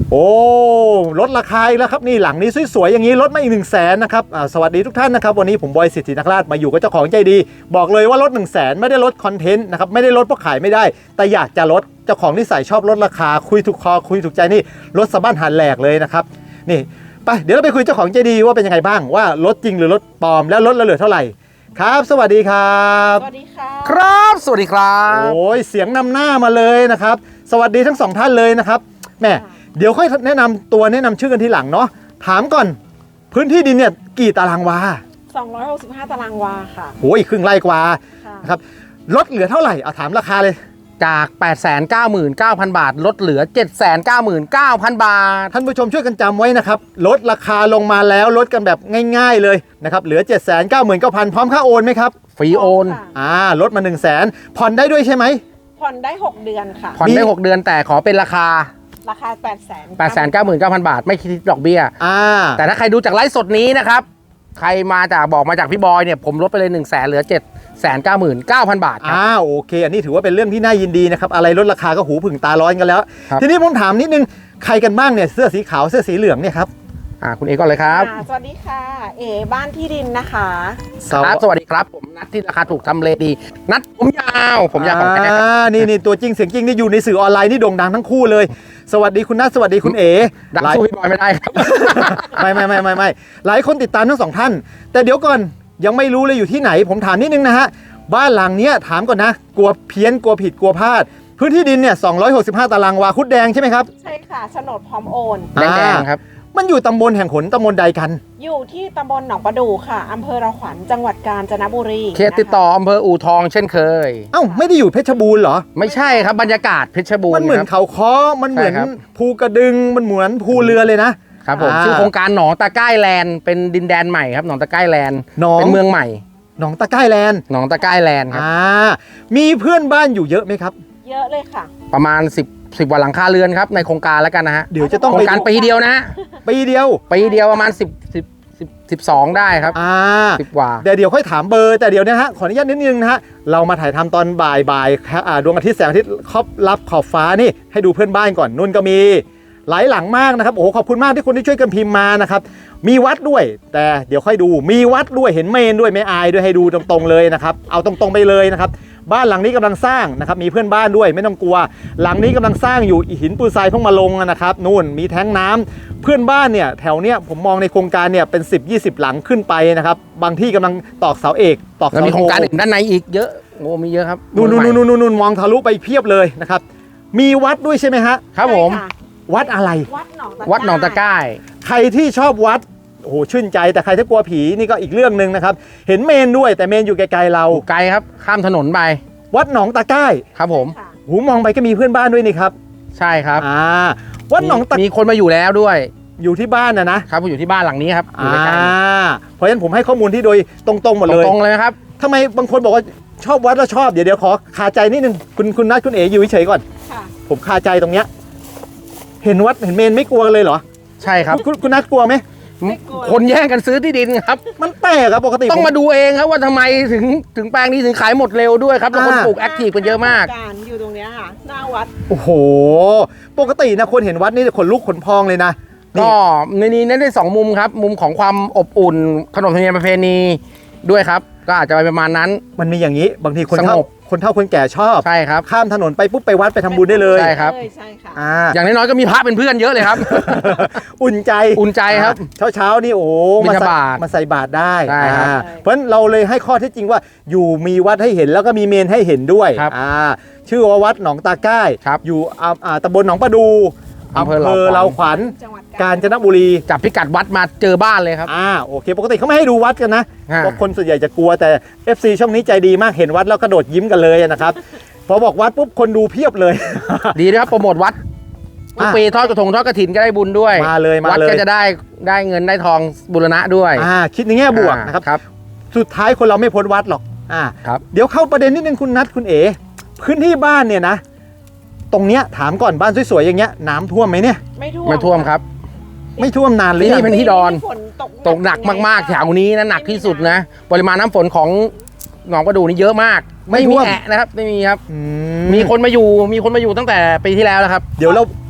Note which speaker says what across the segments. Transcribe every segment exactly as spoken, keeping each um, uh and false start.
Speaker 1: โอ้ลดราคาอีกแล้วครับนี่หลังนี้สวยๆอย่างนี้ลดมาอีกหนึ่งแสนนะครับสวัสดีทุกท่านนะครับวันนี้ผมบอยสิทธินักราชมาอยู่กับเจ้าของใจดีบอกเลยว่าลดหนึ่งแสนไม่ได้ลดคอนเทนต์นะครับไม่ได้ลดเพราะขายไม่ได้แต่อยากจะลดเจ้าของนิสัยชอบลดราคาคุยถูกคอคุยถูกใจนี่ลดสะบั้นหันแหลกเลยนะครับนี่ไปเดี๋ยวเราไปคุยเจ้าของใจดีว่าเป็นยังไงบ้างว่าลดจริงหรือลดปลอมแล้วลดแล้วเหลือเท่าไหร่ครับสวัสดีครับ
Speaker 2: สวัสดีค่ะ
Speaker 3: ครับสวัสดีครับ
Speaker 1: โอ้ยเสียงนำหน้ามาเลยนะครับสวัสดีทั้งสองท่านเลยนะครับแม่เดี๋ยวค่อยแนะนำตัวแนะนำชื่อกันทีหลังเนาะถามก่อนพื้นที่ดินเนี่ยกี่ตารางวา
Speaker 2: สองร้อยหกสิบห้าตารางวาค่ะ
Speaker 1: โอ้ยครึ่งไร่กว่านะครับลดเหลือเท่าไหร่เอาถามราคาเลย
Speaker 3: จาก แปดแสนเก้าหมื่นเก้าพัน บาทลดเหลือ เจ็ดแสนเก้าหมื่นเก้าพัน บาท
Speaker 1: ท่านผู้ชมช่วยกันจำไว้นะครับลดราคาลงมาแล้วลดกันแบบง่ายๆเลยนะครับเหลือ เจ็ดแสนเก้าหมื่นเก้าพัน พร้อมค่าโอนไหมครับ
Speaker 3: ฟรีโอน
Speaker 1: อ่าลดมา หนึ่งแสน ผ่อนได้ด้วยใช่ไหม
Speaker 2: ผ่อนได้หกเดือนค่ะ
Speaker 3: ผ่อนได้หกเดือนแต่ขอเป็นราคา
Speaker 2: ราคา แปดแสน
Speaker 3: แปดแสนเก้าหมื่นเก้าพัน บาทไม่คิดดอกเบี้ย
Speaker 1: อ่า
Speaker 3: แต่ถ้าใครดูจากไลฟ์สดนี้นะครับใครมาจากบอกมาจากพี่บอยเนี่ยผมลดไปเลย หนึ่งแสนเหลือ เจ็ดแสนเก้าหมื่นเก้าพัน บาทครับ
Speaker 1: อ่าโอเคอันนี้ถือว่าเป็นเรื่องที่น่ายินดีนะครับอะไรลดราคาก็หูผึ่งตาร้อนกันแล้วทีนี้ผมถามนิดนึงใครกันบ้างเนี่ยเสื้อสีขาวเสื้อสีเหลืองเนี่ยครับ
Speaker 3: อ่าคุณเอก่อนเลยครับ
Speaker 2: สวัสดีค่ะเอบ้านที่ดินนะคะ
Speaker 3: ครับสวัสดีครับผมนัดที่ราคาถูกทำเลดีนัดผมยาวผมยาวของแท้
Speaker 1: นี่นี่ตัวจริงเสียงจริงนี่อยู่ในสื่อออนไลน์นี่โด่งดังทั้งคู่เลยสวัสดีคุณนัทสวัสดีคุณเอ
Speaker 3: ดังสู้พี่บอยไม่ได้ครับ
Speaker 1: ไม่ไม่ไม่ไม่ไม่หลายคนติดตามทั้งสองท่านแต่เดี๋ยวก่อนยังไม่รู้เลยอยู่ที่ไหนผมถามนิดนึงนะฮะบ้านหลังเนี้ยถามก่อนนะกลัวเพี้ยนกลัวผิดกลัวพลาดพื้นที่ดินเนี่ยสองร้อยหกสิบห้าตารางวาคุดแดงใช่ไหมครับ
Speaker 2: ใช่ค่ะโฉนดพร้อมโอน
Speaker 3: แดงๆครับ
Speaker 1: มันอยู่ตำบลแห่งหนตำบลใดกัน
Speaker 2: อยู่ที่ตำบลหนองประดู่ค่ะอำเภอระขวัญจังหวัดกาญจนบุรี
Speaker 3: เขตติดต่ออำเภออู่ทองเช่นเคย
Speaker 1: เอ้าไม่ได้อยู่เพชรบูรณ์เหรอ
Speaker 3: ไม่ใช่ครับบรรยากาศเพชรบูรณ์
Speaker 1: มันเหมือนเขาค้อมันเหมือนภูกระดึงมันเหมือนภูเรือเลยนะครับ
Speaker 3: ผมชื่อโครงการหนองตะไคร่แลนด์เป็นดินแดนใหม่ครับหนองตะไคร่แลนด์เป็นเมืองใหม่
Speaker 1: หนองตะไคร่แลนด์
Speaker 3: หนองตะไคร่แลนด์ครับ
Speaker 1: อ่ามีเพื่อนบ้านอยู่เยอะไหมครับ
Speaker 2: เยอะเลยค่ะ
Speaker 3: ประมาณสิบ สิบกว่าหลังคาเรือนครับในโครงการแล้วกันนะฮะ
Speaker 1: เดี๋ยวจะต้อง
Speaker 3: โครงการปีเดียวนะ
Speaker 1: ปีเดียว
Speaker 3: ปีเดียวประมาณ10 10 10 สิบสองได้ครับ
Speaker 1: อ่า
Speaker 3: สิบกว่า
Speaker 1: เดี๋ยวเดี๋ยวค่อยถามเบอร์แต่เดี๋ยวนะฮะขออนุญาตนิดนึงนะฮะเรามาถ่ายทำตอนบ่ายบ่ายดวงอาทิตย์แสงอาทิตย์ครอบรับขอบฟ้านี่ให้ดูเพื่อนบ้านก่อนนุ่นก็มีหลายหลังมากนะครับโอ้โหขอบคุณมากที่คนที่ช่วยกันพิมพ์มานะครับมีวัดด้วยแต่เดี๋ยวค่อยดูมีวัดด้วยเห็นเมนด้วยไม่อายด้วยให้ดูตรงๆเลยนะครับเอาตรงๆไปเลยนะครับบ้านหลังนี้กำลังสร้างนะครับมีเพื่อนบ้านด้วยไม่ต้องกลัวหลังนี้กำลังสร้างอยู่หินปูนทรายเพิ่งมาลงนะครับนู่นมีแท้งน้ำเพื่อนบ้านเนี่ยแถวเนี้ยผมมองในโครงการเนี่ยเป็นสิบ ยี่สิบหลังขึ้นไปนะครับบางที่กำลังตอกเสาเอกตอกเสาโท
Speaker 3: มีโครงการอื่นด้านในอีกเยอะโอ้มีเยอะครับ
Speaker 1: นู่นนู่นนู่นนู่นมองทะลุไปเพียบเลยนะครับมีวัดด้วยใช่ไหมฮะ
Speaker 3: ครับผม
Speaker 1: วัดอะไร
Speaker 2: วัดหนองตะไคร่
Speaker 3: วัดหนองตะไคร่
Speaker 1: ใครที่ชอบวัดโอ้โหชื่นใจแต่ใครที่กลัวผีนี่ก็อีกเรื่องนึงนะครับเห็นเมนด้วยแต่เมนอยู่ไกลๆเรา
Speaker 3: ไกลครับข้ามถนนไป
Speaker 1: วัดหนองตะไคร่
Speaker 3: ครับผม
Speaker 1: หูมองไปก็มีเพื่อนบ้านด้วยนี่ครับ
Speaker 3: ใช่ครับ
Speaker 1: อ่าวัดหนองตะ
Speaker 3: มีคนมาอยู่แล้วด้วย
Speaker 1: อยู่ที่บ้านนะนะครับ
Speaker 3: ผมอยู่ที่บ้านหลังนี้ครับอยู่ใกล้
Speaker 1: ๆเพราะฉะนั้นผมให้ข้อมูลที่โดยตรงๆหมดเลย
Speaker 3: ตรงๆเลยครับ
Speaker 1: ทำไมบางคนบอกว่าชอบวัดแล้วชอบเดี๋ยวเดี๋ยวขอคาใจนิดนึงคุณคุณนัทคุณเอ๋อยู่เฉยๆก่อนผมคาใจตรงเนี้ยเห็นวัดเห็นเมนไม่กลัวเลยเหรอ
Speaker 3: ใช่ครับ
Speaker 1: คุณคุณนัทกลัวไหม
Speaker 3: คนแย่งกันซื้อที่ดินครับ
Speaker 1: มันแปลกครับปกติ
Speaker 3: ต้องมาดูเองครับว่าทำไมถึงถึงแปลงนี้ถึงขายหมดเร็วด้วยครับแล้วคนปลูกแอคทีฟกันเยอะมาก
Speaker 2: การอยู่ตรงนี้ค่ะหน้าวัด
Speaker 1: โอ้โหปกตินะคนเห็นวัดนี่ขนลุกขนพองเลยนะ
Speaker 3: ก็ในนี้เน้นได้สองมุมครับมุมของความอบอุ่นขนบธรรมเนียมประเพณีด้วยครับก็อาจจะไปประมาณนั้น
Speaker 1: มันมีอย่างนี้บางทีคนเฒ่าคนเฒ่าคนแก่ชอบ
Speaker 3: ใช่ครับ
Speaker 1: ข้ามถนนไปปุ๊บไปวัดไปทำบุญได้เลย
Speaker 3: ใช่ครับ
Speaker 2: ใช่ค่ะ
Speaker 3: อย่างน้อยๆก็มีพระเป็นเพื่อนเยอะเลยครับ
Speaker 1: อุ่นใจ
Speaker 3: อุ่นใจครับ
Speaker 1: เช้าเช้านี่โอ้
Speaker 3: มาใส่
Speaker 1: มาใส่บาตรได้เพราะฉะ
Speaker 3: ฉะ
Speaker 1: นั้นเราเลยให้ข้อเท็จจริงว่าอยู่มีวัดให้เห็นแล้วก็มีเมนให้เห็นด้วยชื่อว่าวัดหนองตาใกล้อยู่ตำบลหนองประดูอำเภอเราขวัญกาญจนบุรี
Speaker 3: จับพิกัดวัดมาเจอบ้านเลยครับ
Speaker 1: อ่าโอเคปกติเขาไม่ให้ดูวัดกันนะเพราะคนส่วนใหญ่จะกลัวแต่ เอฟ ซี ช่องนี้ใจดีมากเห็นวัดแล้วกระโดดยิ้มกันเลยนะครับพอบอกวัดปุ๊บคนดูเพียบเลย
Speaker 3: ดีนะครับโปรโมทวัดทุกปีทอดกระทงทอดกระถินก็ได้บุญด้วย
Speaker 1: มาเลยมาเลย
Speaker 3: วัดก็จะได้ได้เงินได้ทองบูรณะด้วย
Speaker 1: อ่าคิดในแง่บวกนะครับสุดท้ายคนเราไม่พ้นวัดหรอกอ่า
Speaker 3: ครับ
Speaker 1: เดี๋ยวเข้าประเด็นนิดนึงคุณนัทคุณเอ๋พื้นที่บ้านเนี่ยนะตรงเนี้ยถามก่อนบ้านสวยๆอย่างเงี้ยน้ำท่วมไหมเนี่ย
Speaker 2: ไม่ท่วม
Speaker 3: ไม่ท่วมครับ
Speaker 1: ไม่ท่วมนานเลย
Speaker 3: นี่เป็นที่ดอนตกหนักมากๆแถวนี้นะหนักที่สุดนะปริมาณน้ำฝนของหนองประดูนี่เยอะมากไม่มีแอะนะครับไม่มีครับมีคนมาอยู่มีคนมาอยู่ตั้งแต่ปีที่แล้วแล้วครับ
Speaker 1: เดี๋ยวเรา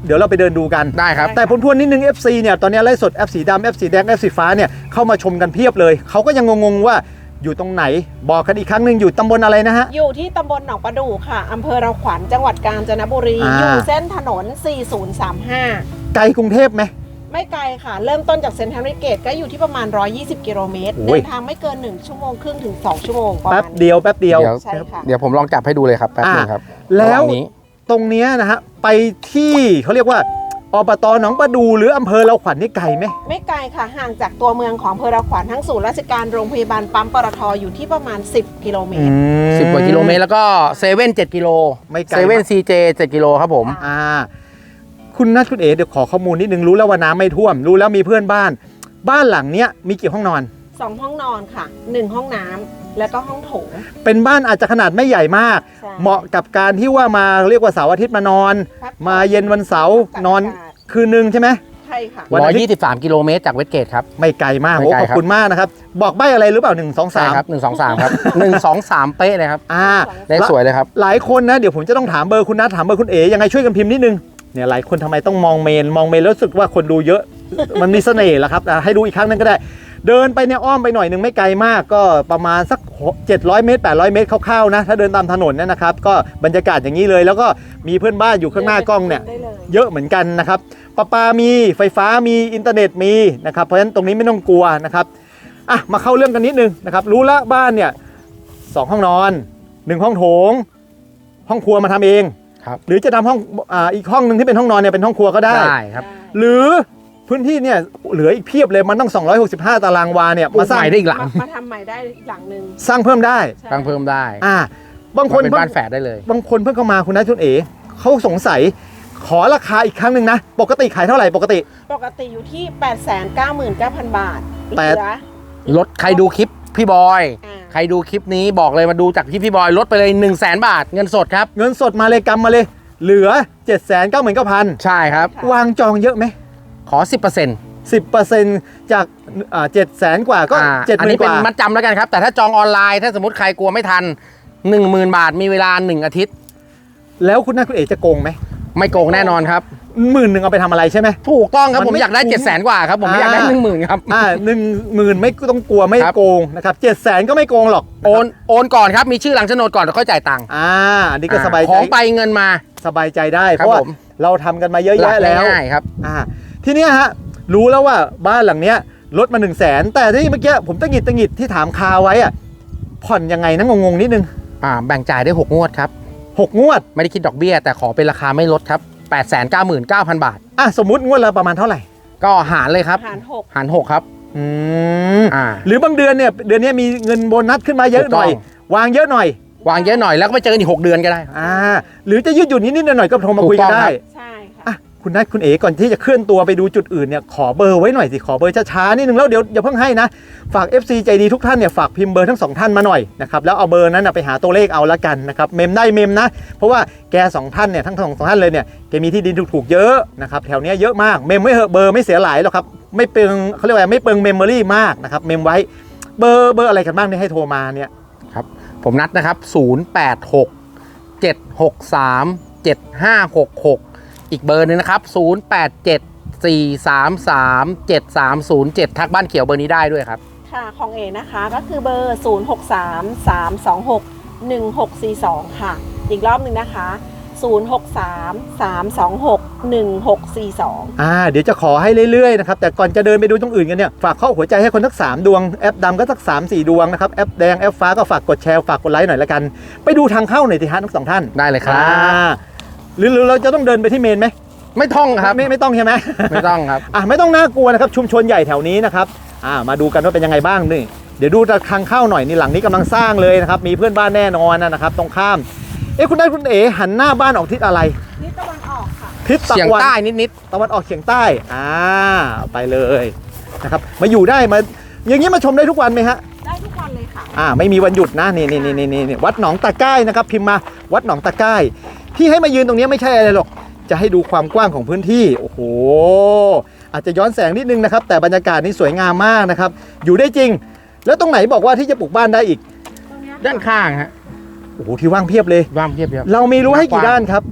Speaker 1: เดี๋ยวเราไปเดินดูกัน
Speaker 3: ได้ครับ
Speaker 1: แต่ผมทวนนิดนึง เอฟ ซี เนี่ยตอนนี้ไลฟ์สด F สีดำ F สีแดง F สีฟ้าเนี่ยเข้ามาชมกันเพียบเลยเขาก็ยังงงๆว่าอยู่ตรงไหนบอกกันอีกครั้งหนึ่งอยู่ตำบลอะไรนะฮะ
Speaker 2: อยู่ที่ตำบลหนองประดู่ค่ะอำเภอเราขวัญจังหวัดกาญจนบุรี
Speaker 1: อ่า
Speaker 2: อยู่เส้นถนน สี่ศูนย์สามห้า
Speaker 1: ไกลกรุงเทพไหม
Speaker 2: ไม่ไกลค่ะ เริ่มต้นจากเซ็นทรัลเวสเกตก็อยู่ที่ประมาณ หนึ่งร้อยยี่สิบ กิโลเมตร
Speaker 1: โอ้ย
Speaker 2: เดินทางไม่เกิน หนึ่ง ชั่วโมงครึ่งถึง สอง ชั่วโมงประ
Speaker 1: แป๊บ
Speaker 2: มาณ
Speaker 1: เดียวแป๊บเดียว
Speaker 3: เดี๋ยว
Speaker 2: ใช่ค่ะ
Speaker 3: เดี๋ยวผมลองจับให้ดูเลยครับแป๊บนึงครับ
Speaker 1: แล้ว
Speaker 3: ระหางนี้
Speaker 1: ตรงเนี้ยนะฮะไปที่เขาเรียกว่าอบตหนองประดูหรืออำเภอเราขวัญนี่ไกลไหม
Speaker 2: ไม่ไกลค่ะ ห่างจากตัวเมืองของอำเภอเราขวัญทั้งศูนย์ราชการโรงพยาบาลปั๊มปตทอยู่ที่ประมาณ สิบ กิโลเมตร
Speaker 3: สิบกว่ากิโลเมตรแล้วก็เซเว่นเจ็ดกิโล
Speaker 1: ไม่ไกล
Speaker 3: เซเว่นซีเจเจ็ดกิโลครับผม
Speaker 1: อ่าคุณนัทคุณเอ๋เดี๋ยวขอข้อมูลนิดนึงรู้แล้วว่าน้ำไม่ท่วม รู้แล้วมีเพื่อนบ้าน บ้านหลังเนี้ยมีกี่ห้องนอน
Speaker 2: สองห้องนอนค่ะ หนึ่ง ห้องน้ำแล้วก็ห้องโถง
Speaker 1: เป็นบ้านอาจจะขนาดไม่ใหญ่มาก
Speaker 2: ใช่
Speaker 1: เหมาะกับการที่ว่ามาเรียกว่าเสาร์อาทิตย์มานอน
Speaker 2: พักผ่อน
Speaker 1: มาเย็นวันเสาร์นอนคืนนึงใช่ไหม
Speaker 2: ใช่ค่ะ
Speaker 1: วัน
Speaker 3: ร้อ
Speaker 1: อาย ทิตย์
Speaker 3: ยี่สิบสามกิโลเมตรจากเวสเกตครับ
Speaker 1: ไม่ไกลมาก
Speaker 3: ไม่
Speaker 1: โอ้
Speaker 3: ไกล
Speaker 1: ขอบ
Speaker 3: ครับ
Speaker 1: คุณมากนะครับ บอกใบอะไรหรือเปล่าหนึ่งสอง
Speaker 3: ใช่
Speaker 1: สาม
Speaker 3: ครับหนึ่งสองสามครับหนึ่งสองสามเป๊ะเลยครับ
Speaker 1: อ่า
Speaker 3: เลขสวยเลยครับ
Speaker 1: หลายคนนะเดี๋ยวผมจะต้องถามเบอร์คุณนัทถามเบอร์คุณเอ๋ยังไงช่วยกันพิมพ์นิดนึงเนี่ยหลายคนทำไมต้องมองเมนมองเมนแล้วรู้สึกว่าคนดูเยอะ มันมีเสน่ห์แหละครับอ่ะให้ดูอีกครั้งหนึงก็ได้ เดินไปเนี่ยอ้อมไปหน่อยหนึ่งไม่ไกลมากก็ประมาณสักเจ็ดร้อยเมตรแปดร้อยเมตรคร่าวๆนะถ้าเดินตามถนนเนี่ยนะครับก็บรรยากาศอย่างนี้เลย แล้วก็มีเพื่อนบ้านอยู่ข้างหน้ากล้องเนี่ย
Speaker 2: ได้เลย
Speaker 1: เยอะเหมือนกันนะครับประปามีไฟฟ้ามีอินเทอร์เน็ตมีนะครับเพราะฉะนั้นตรงนี้ไม่ต้องกลัวนะครับอ่ะมาเข้าเรื่องกันนิดนึงนะครับรู้ละบ้านเนี่ยสองห้องนอนหนึ่งห้องโถงห้องครัวมาทำเอง
Speaker 3: ครับ
Speaker 1: หรือจะทำห้องอ่าอีกห้องหนึ่งที่เป็นห้องนอนเนี่ยเป็นห้องครัวก็ได้
Speaker 3: ได้ครับ
Speaker 1: หรือพื้นที่เนี่ยเหลืออีกเพียบเลยมันต้องสองร้อยหกสิบห้าตารางวาเนี่ย
Speaker 3: ปลู
Speaker 1: มาก สร้าง
Speaker 3: ใหม่ได้อีกหลัง
Speaker 2: มามาทำใหม่ได้อีกหลังหนึ่ง
Speaker 1: สร้างเพิ่มได้
Speaker 2: ใช่
Speaker 3: ตั้งเพิ่มได้
Speaker 1: อ่าบางคน
Speaker 3: เป็น
Speaker 1: เพิ่ง
Speaker 3: บ้านแฝดได้เลย
Speaker 1: บางคนเพิ่งเข้ามาคุณนัทคุณเอ๋เขาสงสัยขอราคาอีกครั้งหนึ่งนะปกติขายเท่าไหร่ปกติ
Speaker 2: ปกติอยู่ที่ แปดแสนเก้าหมื่นเก้าพัน บาทเห
Speaker 1: แป
Speaker 2: ลื
Speaker 1: ด
Speaker 2: อ
Speaker 3: ลดใครดูคลิปพี่บอย
Speaker 2: อ่า
Speaker 3: ใครดูคลิปนี้บอกเลยมาดูจากพี่พี่บอยลดไปเลย1นึ่งแสนบาทเงินสดครับ
Speaker 1: เงินสดมาเลยกำมาเลย เหลือ เจ็ดแสนเก้าหมื่นเก้าพัน
Speaker 3: ใช่ครับ
Speaker 2: ค่ะ
Speaker 1: วางจองเยอะไหม
Speaker 3: ขอ สิบเปอร์เซ็นต์
Speaker 1: สิบเปอร์เซ็นต์จากอ่าเจ็ดแสนกว่าก็
Speaker 3: อ่า
Speaker 1: เจ็ดห
Speaker 3: อัน
Speaker 1: มื่
Speaker 3: นี้
Speaker 1: นก
Speaker 3: เป็น
Speaker 1: ว่า
Speaker 3: มัดจำแล้วกันครับ แต่ถ้าจองออนไลน์ถ้าสมมติใครกลัวไม่ทัน หนึ่งหมื่น บาทมีเวลา หนึ่ง อาทิตย์
Speaker 1: แล้วคุณนัทคุณเอ๋จะโกงไหม
Speaker 3: ไม่โกงแน่นอนครับ
Speaker 1: หมื่นหนึ่งเอาไปทำอะไรใช่ไหม
Speaker 3: ถูกต้องครับ
Speaker 1: มัน
Speaker 3: ผม
Speaker 1: ไม่
Speaker 3: อยากได้
Speaker 1: คุ้ม
Speaker 3: เจ็ดแสนกว่าครับ ผมไม่อยากได้
Speaker 1: อ่า
Speaker 3: หนึ่งหมื่นครับ
Speaker 1: อ่าหนึ่งหมื่นไม่ต้องกลัวไม่
Speaker 3: ครับ
Speaker 1: โกงนะครับเจ็ดแสนก็ไม่โกงหรอก
Speaker 3: โอนโอนก่อนครับ มีชื่อหลังโฉนดก่อนแล้วค่อยจ่ายตังค์
Speaker 1: อ่าอันนี้ก็สบาย
Speaker 3: ข
Speaker 1: ใจ
Speaker 3: องไปเงินมา
Speaker 1: สบายใจได้
Speaker 3: ค
Speaker 1: เพ
Speaker 3: รับ
Speaker 1: ราะว่า
Speaker 3: ผม
Speaker 1: เราทำกันมาเยอะ
Speaker 3: หลั
Speaker 1: แยะ
Speaker 3: ก
Speaker 1: แล้ว
Speaker 3: ง่ายๆครับ
Speaker 1: อ่าทีเนี้ยฮะรู้แล้วว่าบ้านหลังเนี้ยลดมา1นึ่งแสนแต่ที่เมื่อกี้ผมตั้งหงิดตั้งหงิดที่ถามคาไว้อะผ่อนยังไงนะงงๆนิดนึง
Speaker 3: อ่าแบ่งจ่ายได้หกงวดครับ
Speaker 1: หกงวด
Speaker 3: ไม่ได้คิดดอกเบี้ย แต่ขอเป็นราคาไม่ลดครับ แปดแสนเก้าหมื่นเก้าพัน บาท
Speaker 1: อ่ะสมมุติงวดละประมาณเท่าไหร่
Speaker 3: ก็หารเลยครับ
Speaker 2: หารหก
Speaker 3: หารหกครับ
Speaker 1: อืม
Speaker 3: อ่า
Speaker 1: หรือบางเดือนเนี่ยเดือนนี้มีเงินโบนัสขึ้นมาเยอะหน่อย
Speaker 3: ถูกต้
Speaker 1: วางเยอะหน่อย
Speaker 3: วางเยอะหน่อยแล้วก็ไปเจอกันอีกหกเดือนก็ได้ครับ
Speaker 1: อ่าหรือจะยืดหยุ่นนิดๆหน่อยๆก็โทรมา
Speaker 3: ถูก
Speaker 1: คุยกัน
Speaker 3: ต้อง
Speaker 1: ได้
Speaker 3: ครับ
Speaker 2: ใช่ค่ะ
Speaker 1: อ่ะคุณนัทคุณเอ๋ก่อนที่จะเคลื่อนตัวไปดูจุดอื่นเนี่ยขอเบอร์ไว้หน่อยสิขอเบอร์ช้าๆนิดนึงแล้วเดี๋ยวอย่าเพิ่งให้นะฝาก เอฟ ซี ใจดีทุกท่านเนี่ยฝากพิมพ์เบอร์ทั้งสองท่านมาหน่อยนะครับแล้วเอาเบอร์นั้นนะไปหาตัวเลขเอาละกันนะครับเมมได้เมมนะเพราะว่าแกสองท่านเนี่ยทั้งสองท่านเลยเนี่ยแกมีที่ดินถูกๆเยอะนะครับแถวเนี้ยเยอะมากเมมไม่เหอะเบอร์ไม่เสียหลายหรอกครับไม่เปลืองเขาเรียกว่าไม่เปลืองเมมโมรี่มากนะครับเมมไว้เบอร์เบอร์อะไรกันบ้างเนี่ยให้โทรมาเนี่ย
Speaker 3: ครับผมนัดนะครับศูนย์ แปด หก เจ็ด หก สาม เจ็ด ห้า หก หกอีกเบอร์หนึงนะครับศูนย์ แปด เจ็ด สี่ สาม สาม เจ็ด สาม ศูนย์ เจ็ดทักบ้านเขียวเบอร์นี้ได้ด้วยครับ
Speaker 2: ค่ะของเอนะคะก็คือเบอร์ ศูนย์ หก สาม สาม สอง หก หนึ่ง หก สี่ สอง ค่ะ อีกรอบหนึ่งนะคะ ศูนย์ หก สาม สาม สอง หก หนึ่ง หก สี่ สอง
Speaker 1: อ่าเดี๋ยวจะขอให้เรื่อยๆนะครับแต่ก่อนจะเดินไปดูตรงอื่นกันเนี่ยฝากข้อหัวใจให้คนทักสามดวงแอปดำก็สักสามสี่ดวงนะครับแอปแดงแอปฟ้าก็ฝากกดแชร์ฝากกดไลค์หน่อยละกันไปดูทางเข้าหน่อยสิฮะทั้งสองท่าน
Speaker 3: ได้เลยครับ
Speaker 1: อ่าหรือหรือเราจะต้องเดินไปที่เมนไหม
Speaker 3: ไม่ท่องครับ
Speaker 1: ไม่ไม่ต้องใช่ไหม
Speaker 3: ไม่ต้องครับ
Speaker 1: อ่ะไม่ต้องน่ากลัวนะครับชุมชนใหญ่แถวนี้นะครับอ่ามาดูกันว่าเป็นยังไงบ้างนี่เดี๋ยวดูทางเข้าหน่อยนี่หลังนี้กำลังสร้างเลยนะครับมีเพื่อนบ้านแน่นอนนะครับตรงข้ามเอ๊ะคุณได้คุณเอ๋หันหน้าบ้านออกทิศอะไร
Speaker 2: นี่ตะวันออกค่ะ
Speaker 1: ทิศตะ
Speaker 3: เฉียง
Speaker 1: วัน
Speaker 3: ใต้นิด
Speaker 1: ตะวันออกเฉียงใต้อ่าไปเลยนะครับมาอยู่ได้มาอย่างนี้มาชมได้ทุกวันไหมฮะ
Speaker 2: ได้ทุกวันเลยค่ะ
Speaker 1: อ่าไม่มีวันหยุดนะนี่นี่นี่นี่นี่วัดหนองตะไก้นะครับพิมพ์มาวัดหนองตะไก้ที่ให้มายืนตรงนี้ไม่ใช่อะไรหรอกจะให้ดูความกว้างของพื้นที่โอ้โหอาจจะย้อนแสงนิดนึงนะครับแต่บรรยากาศนี่สวยงามมากนะครับอยู่ได้จริง แล้วตรงไหนบอกว่าที่จะปลูกบ้านได้อีก
Speaker 2: ตรงเนี้ย
Speaker 3: ๆ ด้านข้างฮะ
Speaker 1: โอ้โหที่ว่างเพียบเลย
Speaker 3: ว่างเพียบเพียบ
Speaker 1: เรามีรั้วให้กี่ด้านครับ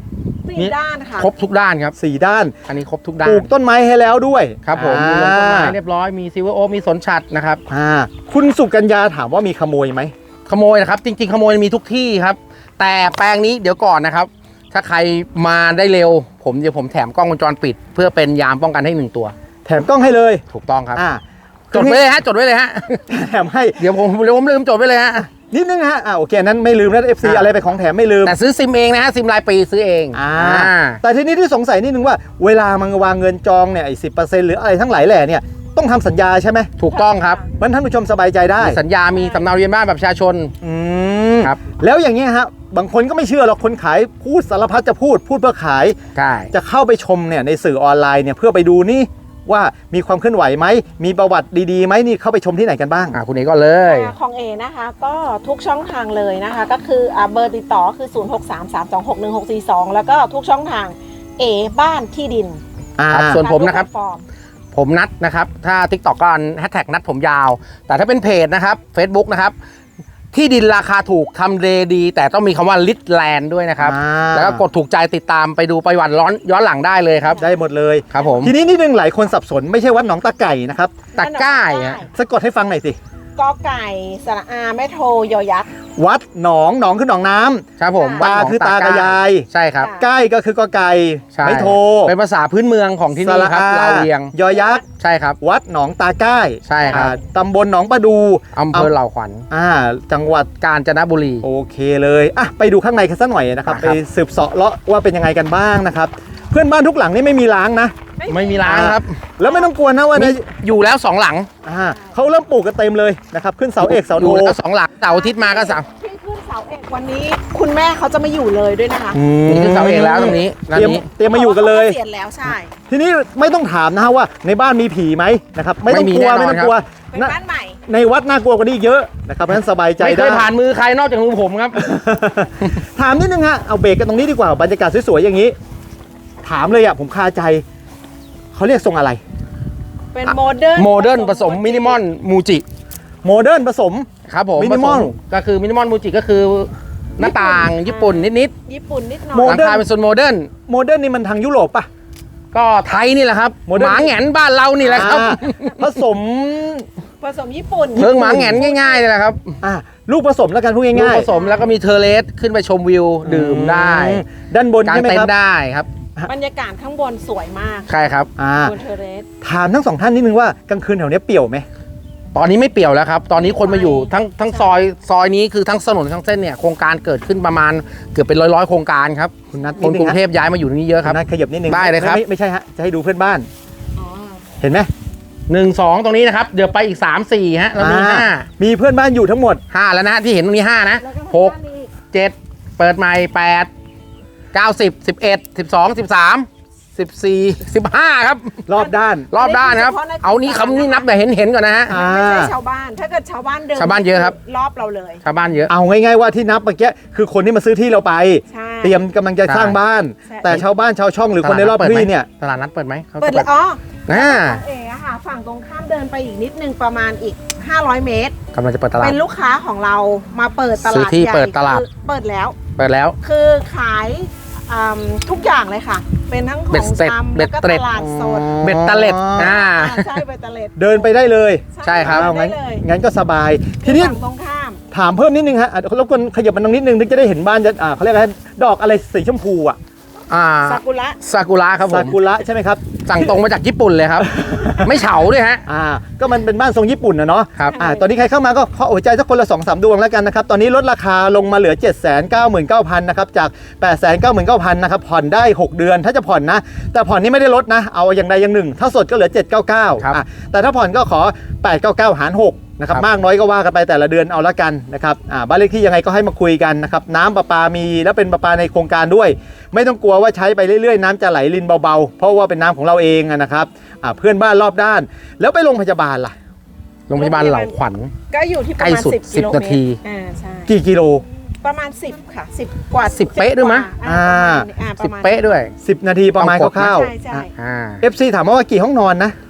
Speaker 2: สี่ด้านค่ะ
Speaker 3: ครบทุกด้านครับ
Speaker 1: สี่ด้าน
Speaker 3: อันนี้ครบทุก
Speaker 1: ป
Speaker 3: ด้า
Speaker 1: ลู
Speaker 3: น
Speaker 1: กต้นไม้ให้แล้วด้วย
Speaker 3: ครับผมมีลงต้นไม้เรียบร้อยมีซิลเวอร์โอ๊คมีสนฉัตรนะครับ
Speaker 1: อ่าคุณสุกัญญาถามว่ามีขโมยไหม
Speaker 3: ขโมยนะครับจริงๆขโมยมีทุกที่ครับ แต่แปลงนี้เดี๋ยวก่อนนะครับ ถ้าใครมาได้เร็ว ผมเดี๋ยวผมแถมกล้องวงจรปิด เพื่อเป็นยามป้องกันให้หนึ่งตัว
Speaker 1: แถมกล้องให้เลย
Speaker 3: ถูกต้องครับ
Speaker 1: อ่า
Speaker 3: จดไว้เลยฮะจดไว้เลยฮะ
Speaker 1: แถมให้
Speaker 3: เดี๋ยวผมเดี๋ยวผมลืมจดไว้เลยฮะ
Speaker 1: นิดนึงฮะอ่าโอเคนั้นไม่ลืมนะ เอฟ ซี
Speaker 3: อ่า
Speaker 1: อะไรไปของแถมไม่ลืม
Speaker 3: แต่ซื้อซิมเองนะฮะซิมรายปีซื้อเอง
Speaker 1: อ่า
Speaker 3: อ่า
Speaker 1: แต่ทีนี้ที่สงสัยนิดนึงว่าเวลามันวางเงินจองเนี่ยไอ้สิบเปอร์เซ็นต์หรืออะไรทั้งหลายแหล่เนี่ยต้องทำสัญญาใช่ไหม
Speaker 3: ถูกต้องครับ
Speaker 1: มันท่านผู้ชมสบายใจได้
Speaker 3: มีสัญญามีสำเนาทะเรียนบ้านแบบประชาชน
Speaker 1: อืม
Speaker 3: ครับ
Speaker 1: แล้วอย่างเงี้ยฮะบางคนก็ไม่เชื่อหรอกคนขายพูดสารพัดจะพูดพูดเพื่อขาย
Speaker 3: ใช่
Speaker 1: จะเข้าไปชมเนี่ยในสื่อออนไลน์เนี่ยเพื่อไปดูนี่ว่ามีความเคลื่อนไหวไหมมีประวัติดีๆไหมนี่เข้าไปชมที่ไหนกันบ้าง
Speaker 3: อ่าคุณเอกก็เลย
Speaker 2: อ่าของเอนะคะก็ทุกช่องทางเลยนะคะ ก็คืออ่าเบอร์ติดต่อคือ ศูนย์ หก สาม สาม สอง หก หนึ่ง หก สี่ สอง แล้วก็ทุกช่องทางเอบ้านที่ดิน
Speaker 1: อ่า
Speaker 3: ครับส่วนผมนะครับ
Speaker 2: ทุกแพลตฟอร์ม
Speaker 3: ผมนัดนะครับ ถ้า TikTok ก็แฮชแท็กนัดผมยาว แต่ถ้าเป็นเพจนะครับ Facebook นะครับ ที่ดินราคาถูกทำเลดี แต่ต้องมีคำว่าลิ t แลนด์ด้วยนะครับ
Speaker 1: อ่า
Speaker 3: แล้วก็กดถูกใจติดตามไปดูประวัติร้อนย้อนหลังได้เลยครับ
Speaker 1: ได้หมดเลย
Speaker 3: ครับผม
Speaker 1: ทีนี้นิดนึงหลายคนสับสนไม่ใช่วัดหนองตาไก่นะครับ
Speaker 3: ตะกร้ายฮะ
Speaker 1: สะกดให้ฟังหน่อยสิ
Speaker 2: กอไก่สระอาแม่โทยอยักษ์
Speaker 1: วัดหนองหนองคือหนองน้ำ
Speaker 3: ครับผม
Speaker 1: ตา
Speaker 3: วัดหนง
Speaker 1: คือตากับยาย
Speaker 3: ใช่ครับ
Speaker 2: ค่ะ
Speaker 1: ใกล้ก็คือกอไก่
Speaker 3: ใช่
Speaker 1: ไม่โท
Speaker 3: เป็นภาษาพื้นเมืองของที่นี่ครับ
Speaker 1: สะอา
Speaker 3: ลาวเวียง
Speaker 1: ยอยักษ์
Speaker 3: ใช่ครับ
Speaker 1: วัดหนองตาใกล้
Speaker 3: ใช่ครับ
Speaker 1: อ่าตำบลหนองประดู
Speaker 3: อำเภอเหล่าขวัญ
Speaker 1: อ่าจังหวัด
Speaker 3: กาญจนบุรี
Speaker 1: โอเคเลยอ่ะไปดูข้างในกันสักหน่อยนะครับ
Speaker 3: อ่ะ
Speaker 1: ไป
Speaker 3: ครับ
Speaker 1: สืบเสาะเลาะว่าเป็นยังไงกันบ้างนะครับเพื่อนบ้านทุกหลังนี่ไม่มีล้างนะ
Speaker 3: ไม่มีร้านครับ
Speaker 1: แล้วไม่ต้องกลัวนะว่า
Speaker 3: มี
Speaker 1: ใน
Speaker 3: อยู่แล้วสองหลัง
Speaker 1: อ่าเขาเริ่มปลูกกันเต็มเลยนะครับขึ้นเสาเอกเสา
Speaker 3: อ
Speaker 1: โท
Speaker 3: ยู่แล้วสองหลังเสาร์อาทิตย์มาก็เสา
Speaker 2: ที่ขึ้นเสาเอกวันนี้คุณแม่เขาจะมาอยู่เลยด้วยนะคะ
Speaker 3: นี่คือเสาเอกแล้วตรงนี้ด้าน
Speaker 1: เตรียม
Speaker 3: นี้
Speaker 1: เตรียมมาอยู่กันเลย
Speaker 2: พราะว่าขาเกษียณแล้วใช่
Speaker 1: ทีนี้ไม่ต้องถามนะฮะว่าในบ้านมีผีไหมนะครับไม่ต้องกลัว
Speaker 3: ไม่มี
Speaker 1: ไม่
Speaker 3: แน่
Speaker 1: ต้อน งกลัว
Speaker 3: อครับ
Speaker 2: เป็น
Speaker 1: นะ
Speaker 2: บ้านใหม่
Speaker 1: ในวัดน่ากลัวกว่านี้อีกเยอะนะครับเพราะฉะนั้นสบายใจ
Speaker 3: ไม่เค
Speaker 1: ได้
Speaker 3: ยผ่านมือใครนอกจากมือผมครับ
Speaker 1: ถามนิดนึงฮะเอาเบรกกันตรงนี้ดีกว่าบรรยากาศสวยๆอย่างนี้ ถามเลยอ่ะผมคาใจเขาเรียกทรงอะไร
Speaker 2: เป็นโมเดิร์น
Speaker 3: โมเดิร์นผสมมินิมอลมูจิ
Speaker 1: โมเดิร์นผสม
Speaker 3: ครับผม
Speaker 1: Minimal
Speaker 3: ผสก็คือมินิมอลมูจิก็คือหน้าต่างญี่ปุ่นนิด
Speaker 2: ญี่ปุ่นนิดหน่
Speaker 1: โม
Speaker 3: ๆห
Speaker 2: อย
Speaker 3: ลังคาเป็นโซนโมเดิร์น
Speaker 1: โมเดิร์นนี่มันทางยุโรปป่ะ
Speaker 3: ก็ไทยนี่แหละครับ
Speaker 1: โมเดิร์
Speaker 3: ห
Speaker 1: น
Speaker 3: มาแหงนบ้านเรานี่แหละครับ
Speaker 1: อ่าผสม
Speaker 2: ผสมญี่ปุ่น
Speaker 3: เพิงหมาแหงนง่ายๆเลยแหละครับ
Speaker 1: อ่าลูกผสมแล้วกันพูด
Speaker 3: ลูก
Speaker 1: ง่าย
Speaker 3: ผสมแล้วก็มีเทอร์เลสขึ้นไปชมวิว
Speaker 1: ๆ
Speaker 3: ดื่มได้
Speaker 1: อืมด้านบน
Speaker 3: กาง
Speaker 1: ใช่ไหม
Speaker 3: เต็น
Speaker 1: ครับ
Speaker 3: ท์ได้ครับ
Speaker 2: บรรยากาศข้างบนสวยมาก
Speaker 3: ใช่ครับ
Speaker 1: อ่า
Speaker 2: บนเทอร์เรส
Speaker 1: ถามทั้งสองท่านนิดนึงว่ากลางคืนแถวเนี้ยเปี่ยวไหม
Speaker 3: ตอนนี้ไม่เปี่ยวแล้วครับ ตอนนี้คนมาอยู่
Speaker 2: ใช่
Speaker 3: ทั้งทั้งซอยซอยนี้คือทั้งถนนทั้งเส้นเนี่ยโครงการเกิดขึ้นประมาณเกือบเป็นร้อยร้อยๆโครงการครับ
Speaker 1: คุณนัท
Speaker 3: ค
Speaker 1: นิด
Speaker 3: น
Speaker 1: นึ
Speaker 3: กรุ
Speaker 1: ง
Speaker 3: ง
Speaker 1: ฮะ
Speaker 3: เทพย้ายมาอยู่ตรงนี้เยอะครับ
Speaker 1: ณนัทขยับนิดนึง
Speaker 3: ได้เลยครับ
Speaker 1: ม่ไม่ใช่ฮะจะให้ดูเพื่อนบ้าน
Speaker 2: อ๋อ
Speaker 1: เห็นไหม
Speaker 3: หนึ่งสองตรงนี้นะครับ เดี๋ยวไปอีกสามสี่ฮะแล้วมี
Speaker 1: อ่
Speaker 3: ห้า
Speaker 1: มีเพื่อนบ้านอยู่ทั้งหมด
Speaker 3: ห้าแล้วนะที่เห็นตรงนี้ห้านะ
Speaker 2: แล้วก็
Speaker 3: หก
Speaker 2: ข้างล่างนี้
Speaker 3: เจ็ดเปิดใหม่แปดเก้าสิบสิบเอ็ดสิบสองสิบสามสิบสี่สิบห้าครับ
Speaker 1: รอบด้าน
Speaker 3: รอบด้านครับ เอานี่คำนี้นับแต่เห็นเห็นๆก่อนนะฮะ
Speaker 1: อ่า
Speaker 2: ไม่ใช่ชาวบ้าน ถ้าเกิดชาวบ้านเดิน
Speaker 3: ชาวบ้านเยอะครับ
Speaker 2: รอบเราเลย
Speaker 3: ชาวบ้านเยอะ
Speaker 1: เอาง่ายๆว่าที่นับเมื่อกี้คือคนที่มาซื้อที่เราไป
Speaker 2: ใช่
Speaker 1: เตรียมกำลังจะสร้างบ้าน
Speaker 2: ใช่
Speaker 1: แต่ชาวบ้านชาวช่องหรือคนในรอบที่เนี่ย
Speaker 3: ตลาดนัดเปิดไหมเขา
Speaker 2: เปิด
Speaker 3: จะ
Speaker 2: เลยอ๋อ
Speaker 3: อ่า
Speaker 2: ของเอ๋อะค่ะ ฝั่งตรงข้ามเดินไปอีกนิดนึงประมาณอีก ห้าร้อย เมตร
Speaker 3: กำลังจะเปิดตลาด
Speaker 2: เป็นลูกค้าของเรามาเปิดต
Speaker 3: ซื้
Speaker 2: ลา
Speaker 3: อ
Speaker 2: ด
Speaker 3: ที่
Speaker 2: ใหญ่
Speaker 3: เปิดตลาด
Speaker 2: คือเปิดแล้ว
Speaker 3: เปิดแล้ว
Speaker 2: คือขายอืมทุกอย่างเลยค่ะ เป็นทั้งข
Speaker 3: เบ็
Speaker 2: อ
Speaker 3: ด
Speaker 2: ง
Speaker 3: เสร็จ
Speaker 2: ชำ
Speaker 3: เบ็
Speaker 2: แล้ว
Speaker 3: ด
Speaker 2: ก็
Speaker 3: เตร็
Speaker 2: ต
Speaker 3: ด
Speaker 2: ลาดสด
Speaker 3: เบ็ดตะเล็ดอ่า
Speaker 2: อ่าใช่เบ็ดเตล็ด
Speaker 1: เดินไปได้เลย
Speaker 3: ใช่ครับ
Speaker 2: เดิ
Speaker 1: เอา
Speaker 2: น
Speaker 1: งั้
Speaker 2: ได้
Speaker 1: น
Speaker 2: เลย
Speaker 1: งั้นก็สบาย ทีนี้
Speaker 2: ฝั่งตรงข้าม
Speaker 1: ถามเพิ่มนิดนึงฮะอ่ะรบกวนขยับมันตรงนิดนึงถึงจะได้เห็นบ้านจะอ่าเขาเรียกอะไรดอกอะไรสีชมพูอ่ะ
Speaker 3: อ่า
Speaker 2: ซากุระ
Speaker 3: ซากุระครับผ
Speaker 1: ซาม กุระใช่ไหมครับ
Speaker 3: สั่งตรงมาจากญี่ปุ่นเลยครับ ไม่เฉาด้วยฮะ
Speaker 1: อ่าก็มันเป็นบ้านทรงญี่ปุ่นนะเนาะ
Speaker 3: ครับ
Speaker 1: อ่าตอนนี้ใครเข้ามาก็ขอหัวใจสักคนละสองสามดวงแล้วกันนะครับ ตอนนี้ลดราคาลงมาเหลือ เจ็ดแสนเก้าหมื่นเก้าพัน นะครับ จาก แปดแสนเก้าหมื่นเก้าพัน นะครับ ผ่อนได้ หก เดือนถ้าจะผ่อนนะ แต่ผ่อนนี่ไม่ได้ลดนะ เอาอย่างใดอย่างหนึ่ง ถ้าสดก็เหลือ เจ็ดเก้าเก้า
Speaker 3: ครับ
Speaker 1: อ่ะแต่ถ้าผ่อนก็ขอ แปดเก้าเก้า หาร หก นะครับ
Speaker 3: ครับ
Speaker 1: มากน้อยก็ว่ากันไปแต่ละเดือนเอาละกันนะครับอ่าบ้านเลขที่ยังไงก็ให้มาคุยกันนะครับน้ำประปามีแล้วเป็นประปาในโครงการด้วย ไม่ต้องกลัวว่าใช้ไปเรื่อยๆน้ำจะไหลรินเบาๆเพราะว่าเป็นน้ำของเราเองอะนะครับอ่าเพื่อนบ้านรอบด้าน แล้วไปโรงพยาบาลล่ะ
Speaker 3: โรงพยาบาลเหล่าขวัญ
Speaker 2: ก็อยู่ที่ประ
Speaker 3: ใกล้
Speaker 2: มาณ
Speaker 3: สุด
Speaker 2: สิบ
Speaker 3: สิ
Speaker 2: กิ
Speaker 3: บ
Speaker 2: โล
Speaker 3: นา
Speaker 2: เม
Speaker 3: ที
Speaker 2: ตรอ่าใช่
Speaker 1: กี่กิโล
Speaker 2: ประมาณสิบค่ะสิบกว่า
Speaker 3: สิบเป๊ะด้วยมั้ย
Speaker 2: อ่า
Speaker 1: อ่า
Speaker 2: ประมาณนี้อ่าป
Speaker 3: สิบ
Speaker 2: ระมาณ
Speaker 3: เป๊ะด้วย
Speaker 1: สิบนาทีประมาณ
Speaker 3: ต้องกดนะ
Speaker 1: คร่าว
Speaker 2: ใช่ใช่
Speaker 3: อ่า
Speaker 1: ๆ เอฟ ซี ถามมาว่ากี่ห้องนอนนะ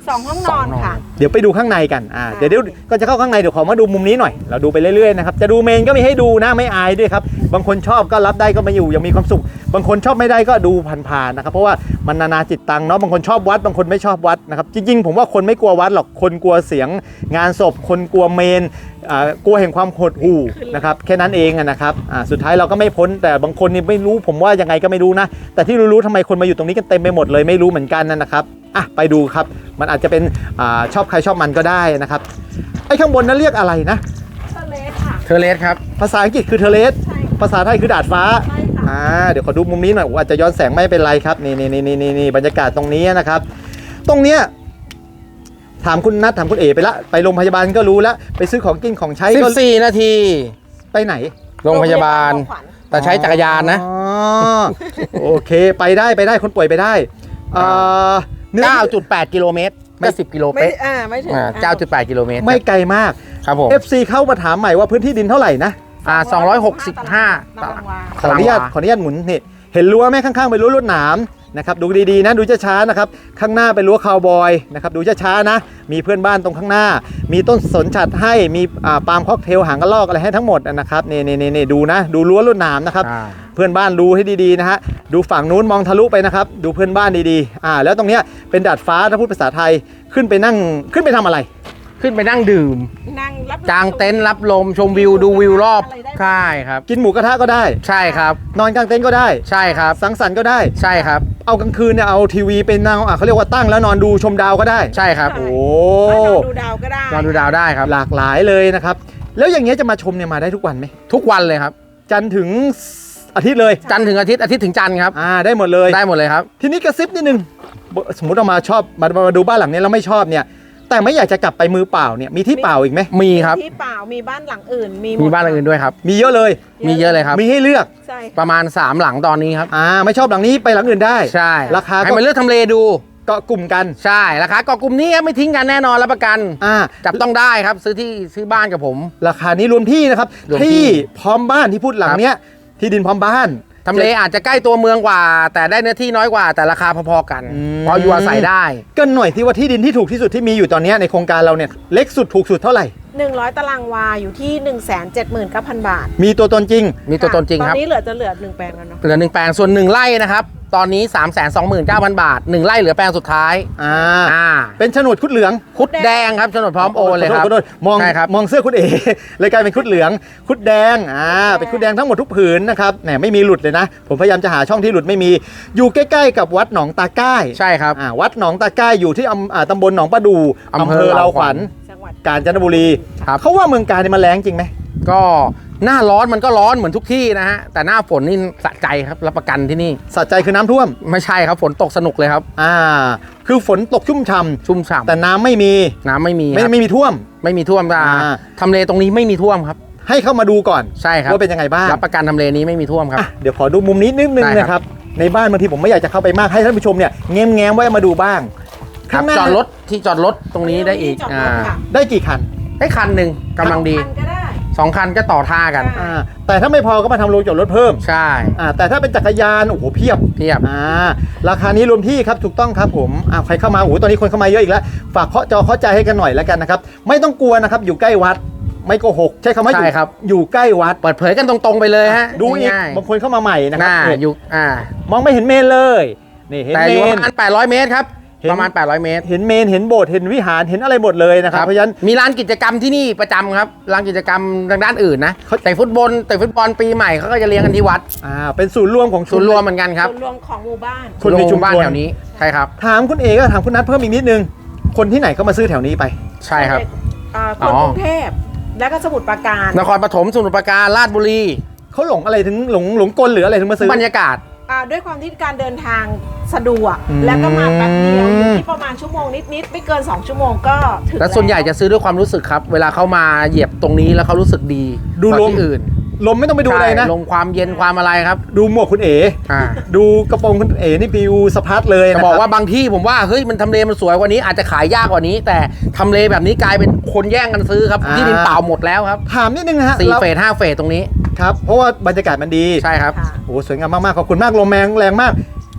Speaker 2: สองห้องนอนค่ะ
Speaker 1: เดี๋ยวไปดูข้างในกันอ่า
Speaker 2: ค่ะ
Speaker 1: เดี๋ยวเดี๋ยวก็จะเข้าข้างในเดี๋ยวขอมาดูมุมนี้หน่อยเราดูไปเรื่อยๆนะครับจะดูเมนก็มีให้ดูนะไม่อายด้วยครับบางคนชอบก็รับได้ก็มาอยู่ยังมีความสุขบางคนชอบไม่ได้ก็ดูผ่านๆนะครับเพราะว่ามันนานาจิตตังเนาะบางคนชอบวัดบางคนไม่ชอบวัดนะครับจริงๆผมว่าคนไม่กลัววัดหรอกคนกลัวเสียงงานศพคนกลัวเมนอ่ากลัวแห่งความหดหู่นะครับแค่นั้นเองอะนะครับอ่าสุดท้ายเราก็ไม่พ้นแต่บางคนนี่ไม่รู้ผมว่ายังไงก็ไม่รู้นะแต่ที่รู้ๆทำไมคนมาอยู่ตรงนี้กันเต็มไปหมดเลยไม่รู้เหมือนกันนะครับอ่ะไปดูครับมันอาจจะเป็นอาชอบใครชอบมันก็ได้นะครับไอ้ข้างบนนั้นเรียกอะไรนะ
Speaker 2: เทเลสค่ะ
Speaker 3: เทอร์เลสครับ
Speaker 1: ภาษาอังกฤษคือเทเลส
Speaker 2: ใช่ค่ะ
Speaker 1: ภาษาไทยคือดาดฟ้า
Speaker 2: ใช่ค่ะ
Speaker 1: อ่าเดี๋ยวขอดูมุมนี้หน่อยอาจจะย้อนแสงไม่เป็นไรครับนี่นี่นี่นี่นี่บรรยากาศตรงนี้นะครับ ตรงเนี้ยถามคุณนัทถามคุณเอไปละไปโรงพยาบาลก็รู้แล้วไปซื้อของกินของใช้ก็
Speaker 3: สิบสี่ นาที
Speaker 1: ไปไหน
Speaker 3: โรงพยาบาล แต่ใช้จักรยานนะ
Speaker 1: อ๋อโอเคไปได้ไปได้คนป่วยไปได้อ่าเนื้อ
Speaker 3: เก้าจุดแปด กิโลเมตรก็สิบกิโล
Speaker 2: ไม่
Speaker 3: เป๊ะ
Speaker 2: อ่าไม่ถึง
Speaker 3: อ่าเก้าจุดแปด กิโลเมตร
Speaker 1: ไม่ไกลมาก
Speaker 3: ครับผม
Speaker 1: เอฟ ซี เข้ามาถามใหม่ว่าพื้นที่ดินเท่าไหร่นะ
Speaker 3: อ่าสองร้อยหกสิบห้า
Speaker 2: ตารางวา
Speaker 1: ขออนุญาตขออนุญาตหมุนนี่เห็นรั้วไหมข้างๆเป็นรั้วลวดหนามนะครับดูดีๆนะดูช้าๆนะครับข้างหน้าเป็นรั้วคาวบอยนะครับดูช้าๆนะมีเพื่อนบ้านตรงข้างหน้า มีต้นสนฉัตรให้มีอ่าปาล์มค็อกเทลหางกระรอกอะไรให้ทั้งหมดนะครับนี่นี่นี่นี่ดูนะดูรั้วลวดหนามนะครับ
Speaker 3: อ่า
Speaker 1: เพื่อนบ้านดูให้ดีๆนะฮะดูฝั่งนู้นมองทะลุไปนะครับดูเพื่อนบ้านดีๆอ่าแล้วตรงเนี้ยเป็นดาดฟ้าถ้าพูดภาษาไทยขึ้นไปนั่งขึ้นไปทำอะไร
Speaker 3: ขึ้นไปนั่งดื่ม
Speaker 2: นั่งรับ
Speaker 3: กางเต็นท์รับลมชมวิวดูวิวรอบใช่ครับ
Speaker 1: กินหมูกระทะก็ได้
Speaker 3: ใช่ครับ
Speaker 1: นอนกลางเต็นท์ก็ได้
Speaker 3: ใช่ครับ
Speaker 1: สังสรรค์ก็ได้
Speaker 3: ใช่ครับ
Speaker 1: เอากลางคืนเนี่ยเอาทีวีไปนั่งอ่ะเขาเรียกว่าตั้งแล้วนอนดูชมดาวก็ได้
Speaker 3: ใช่ครับ
Speaker 1: โอ้
Speaker 2: นอนดูดาวก็ได้
Speaker 3: นอนดูดาวได้ครับ
Speaker 1: หลากหลายเลยนะครับ แล้วอย่างเงี้ยจะมาชมเนี่ยมาได้ทุกวันไหม
Speaker 3: ทุกวันเลยครับ
Speaker 1: จันทร์ถึงอาทิตย์เลย
Speaker 3: จันทร์ถึงอาทิตย์อาทิตย์ถึงจันทร์ครับ
Speaker 1: อ่าได้หมดเลย
Speaker 3: ได้หมดเลยครับ
Speaker 1: ทีนี้กระซิบนิดนึงสมมติเรามาชอบมามาดูบ้านหลังนี้แล้วไม่ชอบเนี่ยแต่ไม่อยากจะกลับไปมือเปล่าเนี่ยมีที่เปล่าอีกไหม
Speaker 3: มีครับ
Speaker 2: ที่เปล่ามีบ้านหลังอื่น มีหด
Speaker 3: มีบ้านอื่นด้วยครับ
Speaker 1: มีเยอะเลย
Speaker 3: มีเยอะเลยครับ
Speaker 1: มีให้เลือก
Speaker 2: ใช่
Speaker 3: ประมาณสามหลังตอนนี้ครับ
Speaker 1: อ่าไม่ชอบหลังนี้ไปหลังอื่นได้
Speaker 3: ใช่
Speaker 1: ราคาก็
Speaker 3: ให้มันเลือกทำเลดู
Speaker 1: เกาะกลุ่มกัน
Speaker 3: ใช่ราคาเกาะกลุ่มนี้ครับไม่ทิ้งกันแน่นอนรับประกัน
Speaker 1: อ่า
Speaker 3: จับต้องได้ครับซื้อที่ซื้อบ้านกับผม
Speaker 1: ราคานี้รวมที่นะครับ
Speaker 3: รวมที่
Speaker 1: ที่พร้อมบ้านที่พูดหลังเนี้ยที่ดินพร้อมบ้าน
Speaker 3: ทำเลอาจจะใกล้ตัวเมืองกว่า แต่ได้เนื้อที่น้อยกว่าแต่ราคาพอๆกัน
Speaker 1: อืม
Speaker 3: พออยู่อาศัยได้
Speaker 1: ก็หน่อยที่ว่าที่ดินที่ถูกที่สุดที่มีอยู่ตอนเนี้ยในโครงการเราเนี่ยเล็กสุดถูกสุดเท่าไหร่
Speaker 2: หนึ่งร้อยตารางวาอยู่ที่ หนึ่งแสนเจ็ดหมื่นเก้าพัน บาท
Speaker 1: มีตัวตนจริง
Speaker 3: มีตัวตนจริงครับ
Speaker 2: ตอนนี้เหลือจะเหลือหนึ่งแปลงแล้วเนาะ
Speaker 3: เหลือหนึ่งแปลงส่วนหนึ่งไร่นะครับตอนนี้ สามแสนสองหมื่นเก้าพัน บาทหนึ่งไร่เหลือแปลงสุดท้าย
Speaker 1: อ่า
Speaker 3: อ่า
Speaker 1: เป็นโฉนดคุดเหลือง
Speaker 3: คุดแดงครับโฉนดพร้อมโอนเลยครับ
Speaker 1: ขอโทษขอโทษมอง
Speaker 3: ใช่ครับ
Speaker 1: มองเสื้อคุณเอ เลยกลายเป็นคุดเหลือง คุดแดงอ่าเป็นคุดแดงทั้งหมดทุกผืนนะครับแหมไม่มีหลุดเลยนะ ผมพยายามจะหาช่องที่หลุดไม่มี อยู่ใกล้ๆกับวัดหนองตาใกล้
Speaker 3: ใช่ครับ
Speaker 1: อ่าวัดหนองตาใกล้อยู่ที่อำอ่าตำบลหนองประดู
Speaker 3: อำเภอ
Speaker 1: เราขวัญ
Speaker 2: จังหวัด
Speaker 1: กาญจนบุรี
Speaker 3: ครับ
Speaker 1: เขาว่าเมืองกาญเนี่ยมันแรงจริงไหม
Speaker 3: ก็หน้าร้อนมันก็ร้อนเหมือนทุกที่นะฮะแต่หน้าฝนนี่สะใจครับรับประกันที่นี่
Speaker 1: สัใจคือน้ำท่วม
Speaker 3: ไม่ใช่ครับฝนตกสนุกเลยครับ
Speaker 1: อ่าคือฝนตกชุ่มฉ่
Speaker 3: ชุ่มฉ่
Speaker 1: ำแต่น้ำไม่มี
Speaker 3: ำน้ำไม่มี
Speaker 1: ไม่
Speaker 3: ครับ
Speaker 1: ไม่มีท่วม
Speaker 3: ไม่มีท่วมอ่า
Speaker 1: อ่า
Speaker 3: ทำเลตรงนี้ไม่มีท่วมครับ
Speaker 1: ให้เข้ามาดูก่อน
Speaker 3: ใช่ครับ
Speaker 1: ว่าเป็นยังไงบ้าง
Speaker 3: รับประกันทำเลนี้ไม่มีท่วมครับ
Speaker 1: อ่ะเดี๋ยวขอดูมุมนี้นิดนึง
Speaker 3: ได้ครับ
Speaker 1: นะครับในบ้านบางทีผมไม่อยากจะเข้าไปมากให้ท่านผู้ชมเนี่ยแง้มแง้มๆไว้มาดูบ้าง
Speaker 3: ครับ
Speaker 1: ข้างหน้า
Speaker 3: จอดรถที่จอดรถตรงนี้ได้อีก
Speaker 2: จอดร
Speaker 3: อ่า
Speaker 2: ถค่ะ
Speaker 1: ได้กี่คัน
Speaker 3: ให้คันหนึ่งกำลังดี
Speaker 2: คันก็ได้
Speaker 3: สองคันก็ต่อท่ากัน
Speaker 2: ใช่
Speaker 1: อ่าแต่ถ้าไม่พอก็มาทำโรงจอดรถเพิ่ม
Speaker 3: ใช่
Speaker 1: อ่าแต่ถ้าเป็นจักรยานโอ้โหเพียบ
Speaker 3: เทียบ
Speaker 1: อ่าราคานี้รวมที่ครับถูกต้องครับผมอ่าใครเข้ามาโอ้โหตอนนี้คนเข้ามาเยอะอีกแล้วฝากเคาะจอเคาะใจให้กันหน่อยแล้วกันนะครับไม่ต้องกลัวนะครับอยู่ใกล้วัดไม่โกหกใช้คำว่าอยู่
Speaker 3: ใช่ครับ
Speaker 1: อยู่ใกล้วัด
Speaker 3: เปิดเผยกันตรงๆไปเลยฮะ
Speaker 1: ดูอีก
Speaker 3: ง่าย
Speaker 1: บางคนเข้ามาใหม่นะ
Speaker 3: ๆ
Speaker 1: ค
Speaker 3: ห
Speaker 1: รับ
Speaker 3: น้า
Speaker 1: เนี่ย
Speaker 3: อยู่อ่าม
Speaker 1: องไม่เห็นเมนเลยนี่เห็น
Speaker 3: แต่
Speaker 1: เม
Speaker 3: อยู่ประ
Speaker 1: น
Speaker 3: มาณแปดร้อยเมตรครับ
Speaker 1: เห็น
Speaker 3: ประมาณแปดร้อยเมตร
Speaker 1: เห็นเมนเห็นโบสถ์เห็นวิหารเห็นอะไรหมดเลยนะครับเพราะฉะนั้น
Speaker 3: มีร้านกิจกรรมที่นี่ประจำครับร้านกิจกรรมทางด้านอื่นนะ
Speaker 1: เขา
Speaker 3: แต่ฟุตบอลแต่ฟุตบอลปีใหม่เขาก็จะเลี้ยงกันที่วัด
Speaker 1: อ่าเป็นศูนย์รวมของ
Speaker 3: ศูนย์รวมเหมือนกันครับ
Speaker 2: ส่วนรวมของหมู่บ้าน
Speaker 1: คนมีชุม
Speaker 3: บ้าน
Speaker 1: ชน
Speaker 3: แถวนี้ใช่ครับ
Speaker 1: ถามคุณเอก็ถามคุณนัทเพิ่มอีกนิดนึง คนที่ไหนเขามาซื้อแถวนี้ไป
Speaker 3: ใช่ครับ
Speaker 2: อ่า
Speaker 3: อ๋
Speaker 2: คน
Speaker 3: อ
Speaker 2: กรุงเทพและก็สมุทรปราการ
Speaker 3: นครปฐมสมุทรปราการราชบุรี
Speaker 1: เขาหลงอะไรถึงหลงหลงกลหรืออะไรถึงมาซื้อบ
Speaker 3: รรยากาศ
Speaker 2: อ่าด้วยความที่การเดินทางสะดวก
Speaker 1: อืม
Speaker 2: แล้วก็มาแป๊บเดียวอยู่ที่ประมาณชั่วโมงนิดๆไม่เกิน สอง ชั่วโมงก็ถึง
Speaker 3: และส่วนใหญ่จะซื้อด้วยความรู้สึกครับ เวลาเขามาเหยียบตรงนี้แล้วเขารู้สึกดี
Speaker 1: ดู
Speaker 3: กว่า
Speaker 1: ลม
Speaker 3: ที่อื่น
Speaker 1: ลมไม่ต้องไปดูอะไรนะ
Speaker 3: ใช่ลมความเย็นความอะไรครับ
Speaker 1: ดูหมวกคุณเอ
Speaker 3: อ่า
Speaker 1: ดูกระโปรงคุณเอนี่ปิวสะพัดเลย
Speaker 3: จะ
Speaker 1: นะ
Speaker 3: บอก
Speaker 1: ค
Speaker 3: ว่า
Speaker 1: รับ
Speaker 3: บางที่ผมว่าเฮ้ยมันทำเลมันสวยกว่านี้อาจจะขายยากกว่านี้ แต่ทำเลแบบนี้กลายเป็นคนแย่งกันซื้อครับ
Speaker 1: อ่า
Speaker 3: ที่ดินเปล่าหมดแล้วครับ
Speaker 1: ถามนิดนึงนะฮะ
Speaker 3: สี่
Speaker 1: เรา
Speaker 3: เฟสห้าเฟสตรงนี้
Speaker 1: ครับเพราะว่าบรรยากาศมันดี
Speaker 3: ใช่ครับ
Speaker 2: ค่ะ
Speaker 1: โอ้สวยงามมากๆขอบคุณมากลมแรงแรงมาก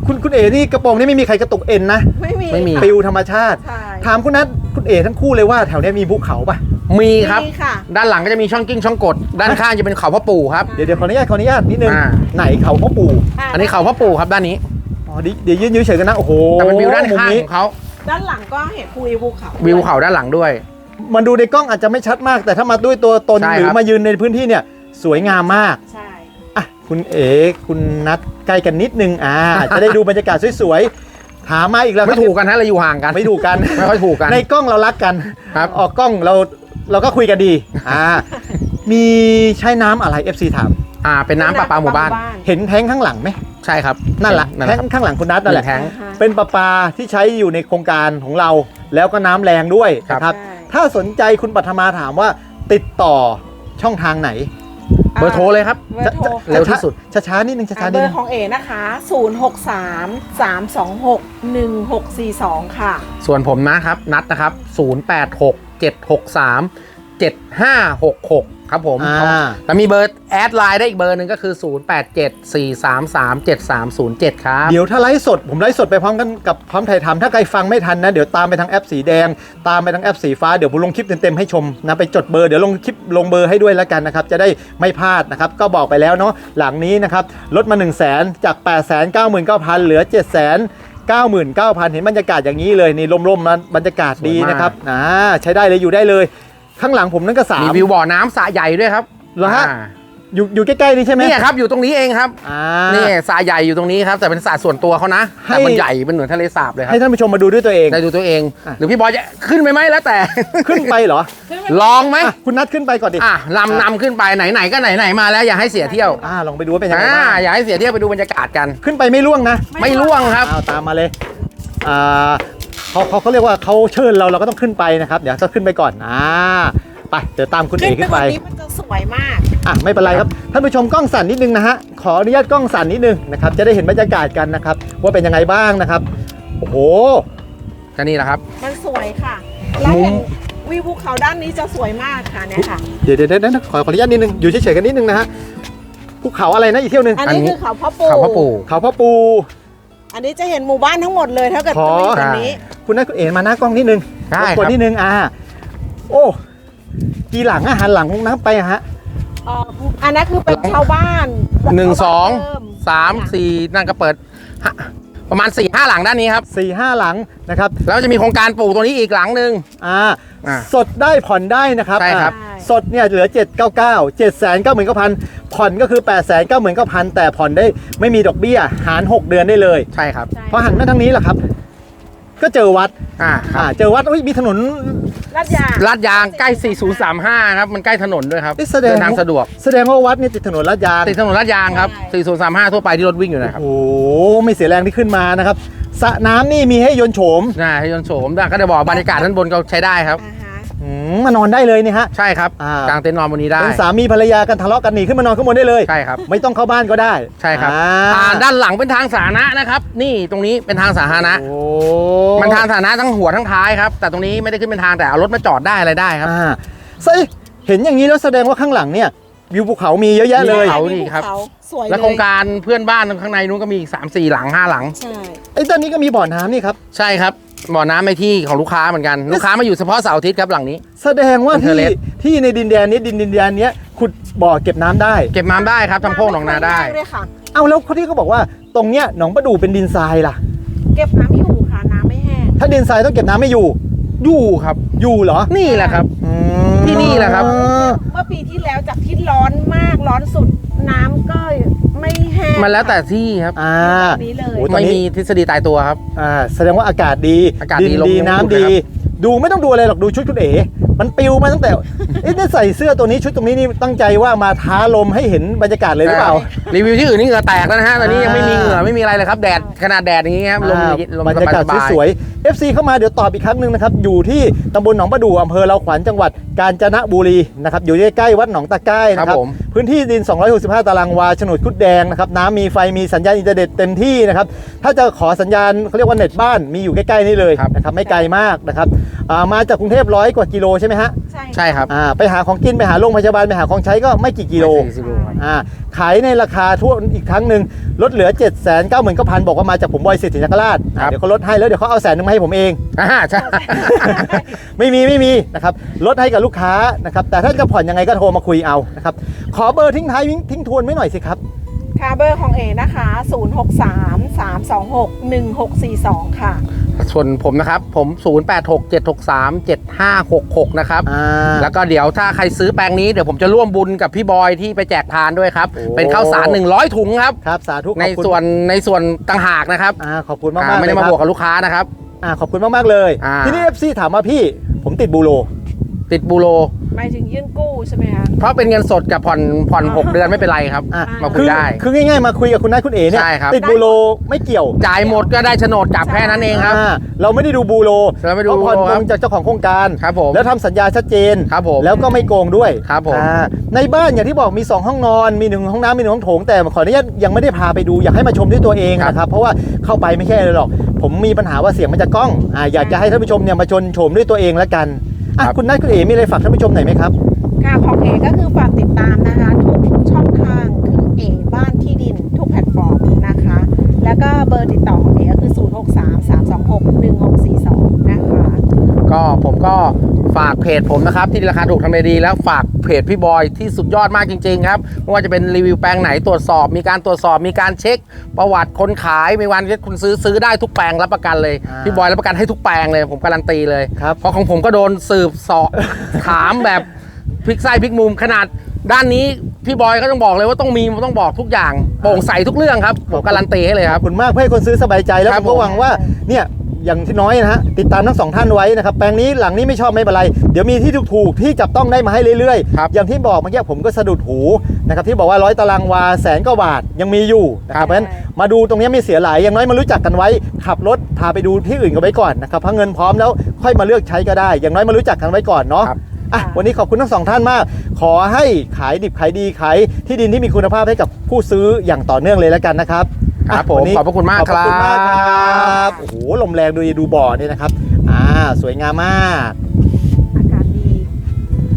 Speaker 1: คุณคุณเอ๋นี่กระโปรงนี่ไม่มีใครกระตุกเอ็นนะ
Speaker 2: ไม่มี
Speaker 3: ไม่มี
Speaker 2: ค่ะ
Speaker 1: ปิวธรรมชาติ
Speaker 2: ใช่
Speaker 1: ถามคุณนัทคุณเอ๋ทั้งคู่เลยว่าแถวเนี้ยมีภูเขาป่ะ
Speaker 3: มีครับ
Speaker 2: มีค่ะ
Speaker 3: ด้านหลังก็จะมีช่องกิ้งช่องกด ด้านข้างจะเป็นเขาพ่อปู่ครับ
Speaker 1: เดี๋ยวเดี๋ยวขออนุญาตขออนุญาตนิดนึง
Speaker 3: อ่า
Speaker 1: ไหนเขาพ่อปู่
Speaker 3: อันนี้เขาพ่อปู่ครับด้านนี้
Speaker 1: อ๋อดิเดี๋ยวยืนยืนเฉยกันนะโอ้โห
Speaker 3: แต่เป็นวิวด้าน
Speaker 1: มุม
Speaker 3: ข้าง
Speaker 1: นี้
Speaker 3: ของเขา
Speaker 2: ด้านหลังก็เห็นภูภูเขา
Speaker 3: วิวเขาด้านหลังด้วย
Speaker 1: มันดูในกล้องอาจจะไม่ชัดมาก แต่ถ้ามาด้วยตัวตน
Speaker 3: ใช่
Speaker 1: หรือ
Speaker 3: ครับ
Speaker 1: มายืนในพื้นที่เนี่ยสวยงามมาก
Speaker 2: ใช่
Speaker 1: อ่ะคุณเอ๋คุณนัทใกล้กันนิดนึงอ่า จะได้ดูบรรยากาศสวยๆถามมาอีกแล้ว
Speaker 3: ไม่ถูกกันฮะเราอยู่ห่างกัน
Speaker 1: ไม่ถูกกัน
Speaker 3: ไม่ค่อยถูกกัน
Speaker 1: ในกล้องเรารักกัน
Speaker 3: ครับ
Speaker 1: ออกกล้องเราเราก็คุยกันดีอ่ามีใช้น้ำอะไร เอฟ ซี ถาม
Speaker 3: อ่าเป็นน้ำประปาหมู่บ้าน
Speaker 1: เห็นแท้งข้างหลังไหม
Speaker 3: ใช่ครับ
Speaker 1: นั่นแหละ
Speaker 3: นั่นแห
Speaker 1: แท้
Speaker 3: ละ
Speaker 1: งข้างหลังคุณนัทนั่นแหละ
Speaker 3: แท้ง
Speaker 2: อ่าฮะ
Speaker 1: เป็นประปาที่ใช้อยู่ในโครงการของเรา แล้วก็น้ำแรงด้วย
Speaker 3: ครับ
Speaker 1: นะครับ
Speaker 2: ใช่
Speaker 1: ถ้าสนใจคุณปัทมาถามว่าติดต่อช่องทางไหน
Speaker 3: เบอร์โทรเลยครับ
Speaker 2: เบอร์โทร
Speaker 3: เร็วที่สุด
Speaker 1: ช้าๆนิดนึงช้า
Speaker 2: อ่า
Speaker 1: ๆ
Speaker 2: เบ
Speaker 1: นิด
Speaker 2: อ
Speaker 1: นึ
Speaker 2: ร์
Speaker 1: ง
Speaker 2: ของเอนะคะ ศูนย์ หก สาม สาม สอง หก หนึ่ง หก สี่ สอง ค่ะ
Speaker 3: ส่วนผมนะครับนัดนะครับ ศูนย์ แปด หก เจ็ด หก สาม เจ็ด ห้า หก หก ครับผม
Speaker 1: อ่า
Speaker 3: แต่มีเบอร์แอดไลน์ได้อีกเบอร์หนึ่งก็คือ ศูนย์ แปด เจ็ด สี่ สาม สาม เจ็ด สาม ศูนย์ เจ็ด ครับ
Speaker 1: เดี๋ยวถ้าไลฟ์สดผมไลฟ์สดไปพร้อมกันกับพร้อมถ่ายทำถ้าใครฟังไม่ทันนะเดี๋ยวตามไปทางแอปสีแดง ตามไปทางแอปสีฟ้าเดี๋ยวผมลงคลิปเต็มๆให้ชมนะไปจดเบอร์เดี๋ยวลงคลิปลงเบอร์ให้ด้วยแล้วกันนะครับจะได้ไม่พลาดนะครับก็บอกไปแล้วเนาะหลังนี้นะครับลดมา หนึ่งแสน จาก แปดแสนเก้าหมื่นเก้าพัน เหลือ เจ็ดแสนเก้าหมื่นเก้าพัน เห็นบรรยากาศอย่างนี้เลยนี่ร่มๆนะบรรยากาศดีนะครับอ่าใช้ได้เลยอยู่ได้เลย ข้างหลังผมนั่นก็สาม
Speaker 3: มีวิวบ่อน้ำสระใหญ่ด้วยครับ
Speaker 1: เหรอฮะ
Speaker 3: อ่า
Speaker 1: อยู่อยู่ใกล้ๆนี่ใช่ไหม
Speaker 3: เนี่ยครับอยู่ตรงนี้เองครับ
Speaker 1: อ่า
Speaker 3: นี่สระใหญ่อยู่ตรงนี้ครับแต่เป็นสระส่วนตัวเขานะ
Speaker 1: ให้
Speaker 3: แต่มันใหญ่เป็นเหมือนทะเลสาบเลยครั
Speaker 1: ให้
Speaker 3: บ
Speaker 1: ท่านผู้ชมมาดูด้วยตัวเอง
Speaker 3: ได้ดูตัวเอง
Speaker 1: อ่ะ
Speaker 3: หรือพี่บอยจะขึ้นไปไหมแล้วแต่
Speaker 1: ขึ้นไปเหรอ
Speaker 3: ลองไหม
Speaker 1: อ่ะคุณนัดขึ้นไปก่อนดิ
Speaker 3: อ่ะลำนำขึ้นไปไหนๆก็ไหนๆมาแล้วอย่าให้เสียเที่ยว
Speaker 1: อ่าลองไปดูว่าเป็นยังไง
Speaker 3: อ่า
Speaker 1: บ้าง
Speaker 3: อย่าให้เสียเที่ยวไปดูบรรยากาศกัน
Speaker 1: ขึ้นไปไม่ล่วงนะ
Speaker 3: ไม่ล่วงครับ
Speaker 1: เอาตามมาเลยอ่าเขาเขาเขาเรียกว่าเขาเชิญเราเราก็ต้องขึ้นไปนะครับเดี๋ยวจะขึ้นไปก่อนอ่าไปเดี๋ยวตามคุณเอกขึ้นไป
Speaker 2: บนนี้มันจะสวยมาก
Speaker 1: อ่ะไม่เป็นไรครับท่านผู้ชมกล้องสั่นนิดนึงนะฮะขออนุญาตกล้องสั่นนิดนึงนะครับจะได้เห็นบรรยากาศกันนะครับว่าเป็นยังไงบ้างนะครับโอ้โห
Speaker 3: ก็นี่แหละครับ
Speaker 2: มันสวยค่ะแล้ว
Speaker 3: มุม
Speaker 2: เห็นวิวภูเขาด้านนี้จะสวยมากค่ะเนี่ยค่ะ
Speaker 1: เดี๋ยวเดี๋ยวเดี๋ยวนะขอขออนุญาตนิดนึงอยู่เฉยๆกันนิดนึงนะฮะภูเขาอะไรนะอีกเที่ยวหนึง
Speaker 2: อัน
Speaker 3: อัน
Speaker 2: นี้
Speaker 3: นี้
Speaker 2: คือเขาพ่อปู่
Speaker 3: เขาพ่อปู่
Speaker 1: เขาพ่อปู
Speaker 2: อันนี้จะเห็นหมู่บ้านทั้งหมดเลยถ้าเกิด
Speaker 1: ขอ
Speaker 2: จะมาอยู่ตรงนี้
Speaker 1: คุณนัทคุณเอ๋มาหน้ากล้องนิดนึง
Speaker 3: ได้
Speaker 1: รบ
Speaker 3: ค
Speaker 1: กวน
Speaker 3: รับ
Speaker 1: นิดนึงอ่าโอ้กี่หลังอาหารหลังลงน้ำไปอะฮะ
Speaker 2: เอ่ออันนั้นคือเป็นชาวบ้าน
Speaker 3: หนึ่งสอง
Speaker 2: ชาวบ้านเดิม
Speaker 3: สามสี่นั่นก็เปิดฮะประมาณสี่ห้าหลังด้านนี้ครับ
Speaker 1: สี่ห้าหลังนะครับ
Speaker 3: แล้วจะมีโครงการปลูกตัวนี้อีกหลังหนึ่ง
Speaker 1: อ่า
Speaker 3: อ่า
Speaker 1: สดได้ผ่อนได้นะครับ
Speaker 3: ใช่ครับ
Speaker 1: อ่าสดเนี่ยเหลือ เจ็ดเก้าเก้า เจ็ดแสนเก้าหมื่นเก้าพัน ผ่อนก็คือ แปดแสนเก้าหมื่นเก้าพัน แต่ผ่อนได้ไม่มีดอกเบี้ยหาร หก เดือนได้เลย
Speaker 3: ใช่ครับ
Speaker 2: ใช่
Speaker 1: พอหันมาทางนี้แหละครับ ก็เจอวัด
Speaker 3: อ่าค
Speaker 1: อ่า
Speaker 3: รับ
Speaker 1: เจอวัดอุ้ยมีถนน
Speaker 2: ลาดยาง
Speaker 3: ลาดยางใกล้สี่ศูนย์สามห้าครับมันใกล้ถนนด้วยครับ
Speaker 1: เอ๊ะแสดง
Speaker 3: เดินทางสะดวก
Speaker 1: แสดงว่าวัดเนี่ยติดถนนลาดยาง
Speaker 3: ติดถนนลาดยางครับสี่ศูนย์สามห้าทั่วไปที่รถวิ่งอยู่นะครับ
Speaker 1: โอ้โหไม่เสียแรงที่ขึ้นมานะครับสระน้ำนี่มีให้ยนต์โฉม
Speaker 3: น่าให้ยนต์โฉมได้ก็จะบอกบรรยากาศด้านบนก็ใช้ได้ครับ
Speaker 2: อ่าฮะ
Speaker 1: อืมมานอนได้เลยนี่ฮะ
Speaker 3: ใช่ครับ
Speaker 1: อ่าก
Speaker 3: กางเต็นท์นอนบนนี้ได้
Speaker 1: เป็นสามีภรรยากันทะเลาะกันหนีขึ้นมานอนข้างบนได้เลย
Speaker 3: ใช่ครับ
Speaker 1: ไม่ต้องเข้าบ้านก็ได้
Speaker 3: ใช่ครับ
Speaker 1: อ่า
Speaker 3: อ่าด้านหลังเป็นทางสาธารณะนะครับ นี่ตรงนี้เป็นทางสาธารณะ
Speaker 1: โอ้
Speaker 3: มันทางสาธารณะทั้งหัวทั้งท้ายครับแต่ตรงนี้ไม่ได้ขึ้นเป็นทางแต่เอารถมาจอดได้อะไรได้ครับ
Speaker 1: อ่าเฮ้ยเห็นอย่างนี้แล้วแสดงว่าข้างหลังเนี่ยวิวภูเขามีเยอะแยะเลย
Speaker 3: มี เขา
Speaker 2: มี
Speaker 3: นี่
Speaker 2: ภู
Speaker 3: ครับ
Speaker 2: เขาสวยเลย
Speaker 3: แล้วโครงการเพื่อนบ้านข้างในนู้นก็มีอีกสามสี่หลังห้าหลัง
Speaker 2: ใช่
Speaker 1: ไอ้ตอนนี้ก็มีบ่อน้ำนี่ครับ
Speaker 3: ใช่ครับบ่อน้ำในที่ของลูกค้าเหมือนกันลูกค้ามาอยู่เฉพาะเสาร์อาทิตย์ครับหลังนี้
Speaker 1: แสดงว่า
Speaker 3: เป็นเท
Speaker 1: ที่
Speaker 3: อร์เลส
Speaker 1: ที่ในดินแดนนี้ดินดินแดนเนี้ยขุดบ่อเก็บน้ำได้
Speaker 3: เก็บน้ำได้ครับทำโพกหนองนาได้
Speaker 2: ด้วยค่ะ
Speaker 1: เอาแล้วเขาที่เขาบอกว่าตรงเนี้ยหนองประดูเป็นดินทรายล่ะ
Speaker 2: เก็บน้ำอยู่ค่ะน้ำไม่แห้ง
Speaker 1: ถ้าดินทรายต้องเก็บน้ำไม่อยู่
Speaker 3: อยู่ครับ
Speaker 1: อยู่เหรอ
Speaker 3: นี่แหละครับ
Speaker 1: อืม
Speaker 3: ที่นี่แหละครับ
Speaker 2: เมื่อปีที่แล้วจากที่ร้อนมากร้อนสุดน้ำก็ไม่แห้ง
Speaker 3: มันแล้วแต่ที่ครับ
Speaker 1: อ่า
Speaker 2: แบบนี้เลย
Speaker 1: โอ้ ตอน
Speaker 3: ไม่
Speaker 1: นี้
Speaker 3: มีทฤษฎีตายตัวครับ
Speaker 1: อ่าแสดงว่าอากาศดี
Speaker 3: อากาศดี
Speaker 1: ดิน
Speaker 3: ลม
Speaker 1: ดี
Speaker 3: ยัง
Speaker 1: น้ำ
Speaker 3: อุ่น
Speaker 1: ดี
Speaker 3: นะครับ
Speaker 1: ดูไม่ต้องดูอะไรหรอกดูชุดคุณเอ๋มันปิวมาตั้งแต่ เอ๊ะนี่ใส่เสื้อตัวนี้ชุดตรงนี้นี่ตั้งใจว่ามาท้าลมให้เห็นบรรยากาศเลยหรือเปล่า
Speaker 3: รีวิวที่อื่นนี่เหงื่อแตกแล้วนะฮะตอนนี้ยังไม่มีเหงื่อไม่มีอะไรเลยครับแดดขนาดแดดอย่างงี้ครับลม
Speaker 1: อ่า
Speaker 3: ลม
Speaker 1: บรรยากาศ
Speaker 3: สบายๆ
Speaker 1: สวยๆ เอฟ ซี เข้ามาเดี๋ยวตอบอีกครั้งหนึ่งนะครับ อยู่ที่ตำบลหนองประดู่อำเภอเราขวัญจังหวัดกาญจนบุรีนะครับ อยู่ใกล้ๆวัดหนองตะไก้นะครับ
Speaker 3: ครับผม
Speaker 1: พื้นที่ดินสองร้อยหกสิบห้าตารางวาโฉนดคุดแดงนะครับน้ำมีไฟมีสัญญาณอินเทอร์เน็ตเต็มที่นะครับถ้าจะขอสัญญาณเขาเรียกว่าเน็ตบ้านมีอยู่ใกล้ๆนี่เลย
Speaker 3: ครับ
Speaker 1: นะครับไม่ไกลมากนะครับอ่ามาจากกรุงเทพร้อยกว่ากิโลใช่ไหมฮะ
Speaker 2: ใช่
Speaker 3: ใช่ครับ
Speaker 1: อ่าไปหาของกินไปหาโรงพยาบาลไปหาของใช้ก็ไม่กี่กิโล
Speaker 3: สี่สิบโลครับ
Speaker 1: อ่าขายในราคาทั่วอีกครั้งหนึ่งลดเหลือ เจ็ดแสนเก้าหมื่นเก้าพัน บอกว่ามาจากผมบอยสิทธินคราชอ่าเดี๋ยวเขาลดให้แล้วเดี๋ยวเขาเอาแสนนึงมาให้ผมเอง
Speaker 3: อ่าใช่
Speaker 1: ไม่มีไม่มีนะครับลดให้กับลูกค้านะครับแต่ถ้าจะผ่อนยังไงก็โทรมาคุยเอานะครับขอเบอร์ทิ้งท้ายทิ้งทวนไว้หน่อยสิครับ
Speaker 2: ค่ะเบอร์ของเอนะคะ ศูนย์ หก สาม สาม สอง หก หนึ่ง หก สี่ สอง ค่ะ
Speaker 3: ส่วนผมนะครับ ผม ศูนย์ แปด หก เจ็ด หก สาม เจ็ด ห้า หก หก นะครับ
Speaker 1: อ่า
Speaker 3: แล้วก็เดี๋ยวถ้าใครซื้อแปลงนี้เดี๋ยวผมจะร่วมบุญกับพี่บอยที่ไปแจกทานด้วยครับ
Speaker 1: โอ้
Speaker 3: เป็นข้าวสารหนึ่งร้อยถุงครับ
Speaker 1: ครับสาธุขอบ
Speaker 3: ใน
Speaker 1: คุณ
Speaker 3: ส่วนในส่วนต่างหากนะครับ
Speaker 1: อ่าขอบคุณมาก
Speaker 3: อ่าม
Speaker 1: ๆ
Speaker 3: ไม่ได้
Speaker 1: เลย
Speaker 3: มา
Speaker 1: ครับ
Speaker 3: บวกกับลูกค้านะครับ
Speaker 1: อ่าขอบคุณมากๆเลย
Speaker 3: อ่า
Speaker 1: ทีนี้ เอฟ ซี ถามมาพี่ผมติดบูโร
Speaker 3: ติดบูโร
Speaker 2: หมายถึงยื่นกู้ใช่ไหมคะ
Speaker 3: เพราะเป็นเงินสดกับผ่อนผ่อนหกเดือนไม่เป็นไรครับ
Speaker 1: อ่ะ
Speaker 3: มาคุ
Speaker 1: คื
Speaker 3: ย
Speaker 1: อ
Speaker 3: ได้
Speaker 1: คือง่ายๆมาคุยกับคุณนายคุณเอ๋เนี่ย
Speaker 3: ใช่ครับ
Speaker 1: ติดบูโรไม่เกี่ยว
Speaker 3: จ่ายหมดก็ได้โฉนดกลับแค่นั้นเองครับ
Speaker 1: อ่าเราไม่ได้ดูบูโร
Speaker 3: เราไม่ดู
Speaker 1: เพราะผ่อน
Speaker 3: บูโร
Speaker 1: ต
Speaker 3: ครั
Speaker 1: ร
Speaker 3: บ
Speaker 1: งจากเจ้าของโครงการ
Speaker 3: ครับผม
Speaker 1: แล้วทำสัญญาชัดเจน
Speaker 3: ครับผม
Speaker 1: แล้วก็ไม่โกงด้วย
Speaker 3: ครับผม
Speaker 1: อ่าในบ้านอย่างที่บอกมีสองห้องนอนมีหนึ่งห้องน้ำมีหนึ่งห้องโถงแต่ขออนุญาตยังไม่ได้พาไปดูอยากให้มาชมด้วยตัวเองนะครับเพราะว่าเข้าไปไม่ใช่เลยหรอกผมมีปัญหาว่าเสียงมันจะก้องอ่าอยากจะให้ท่านผู้ชมเนี่ยมาชมชมด้วยตัวเองแล้วกันอ่ะ
Speaker 3: ครับ
Speaker 1: คุณนัทคุณเอ๋มีอะไรฝากท่านผู้ชมหน่อยไหมครับ
Speaker 2: ค่ะของเอก็คือฝากติดตามนะคะทุกช่องทางคือเอบ้านที่ดินทุกแพลตฟอร์มนะคะ แล้วก็เบอร์ติดต่อของเอก็คือ ศูนย์ หก สาม สาม สอง หก หนึ่ง หก สี่ สอง นะคะ
Speaker 3: ก็ผมก็ฝากเพจผมนะครับที่ราคาถูกทำเลดีแล้วฝากเพจพี่บอยที่สุดยอดมากจริงๆครับไม่ว่าจะเป็นรีวิวแปลงไหนตรวจสอบ มีการตรวจสอบมีการเช็คประวัติคนขายมีวันที่คุณซื้อซื้อได้ทุกแปลงรับประกันเลย
Speaker 1: อ่า
Speaker 3: พี่บอยรับประกันให้ทุกแปลงเลยผมการันตีเลย
Speaker 1: ครับ
Speaker 3: เพราะของผมก็โดนสืบเสอบ ถามแบบพลิกไส้พลิกมุมขนาดด้านนี้พี่บอยก็ต้องบอกเลยว่าต้องมีต้องบอกทุกอย่างโปร่งใสทุกเรื่องครับผมการันตีให้เลยค
Speaker 1: ข
Speaker 3: รั
Speaker 1: อบบ คุณมากเพื่อให้คนซื้อสบายใจแล้ว
Speaker 3: ครั
Speaker 1: ผ
Speaker 3: บ
Speaker 1: มก็หวังว่าเนี่ยอย่างที่น้อยนะฮะติดตามทั้งสองท่านไว้นะครับแปลงนี้หลังนี้ไม่ชอบไม่เป็นไรเดี๋ยวมีที่ถูกๆที่จับต้องได้มาให้เรื่อย
Speaker 3: ครับ
Speaker 1: ๆอย่างที่บอกเมื่อกี้ผมก็สะดุดหูนะครับที่บอกว่าร้อยตารางวาแสนกว่าบาทยังมีอยู่นะครับเพราะฉะนั้นมาดูตรงนี้ไม่เสียหลายอย่างน้อยมารู้จักกันไว้ขับรถพาไปดูที่อื่นกันไว้ก่อนนะครับเพราะเงินพร้อมแล้วค่อยมาเลือกใช้ก็ได้ อย่างน้อยมารู้จักกันไว้ก่อนเนาะ
Speaker 3: ครับ
Speaker 1: อ่ะวันนี้ขอบคุณทั้งสองท่านมาก ขอให้ขายดิบขายดีขายที่ดินที่มีคุณภาพให้กับผู้ซื้ออย่างต่อเนื่องเลยแล้วกันนะครับ
Speaker 3: ครับผม
Speaker 1: วันนี้
Speaker 3: ขอบพระคุณมาก
Speaker 1: ขอบพระคุณมากค
Speaker 3: ครั
Speaker 1: รับ บโอ้โหลมแรงดูดูบ่อเนี่ยนะครับอ่าสวยงามมาก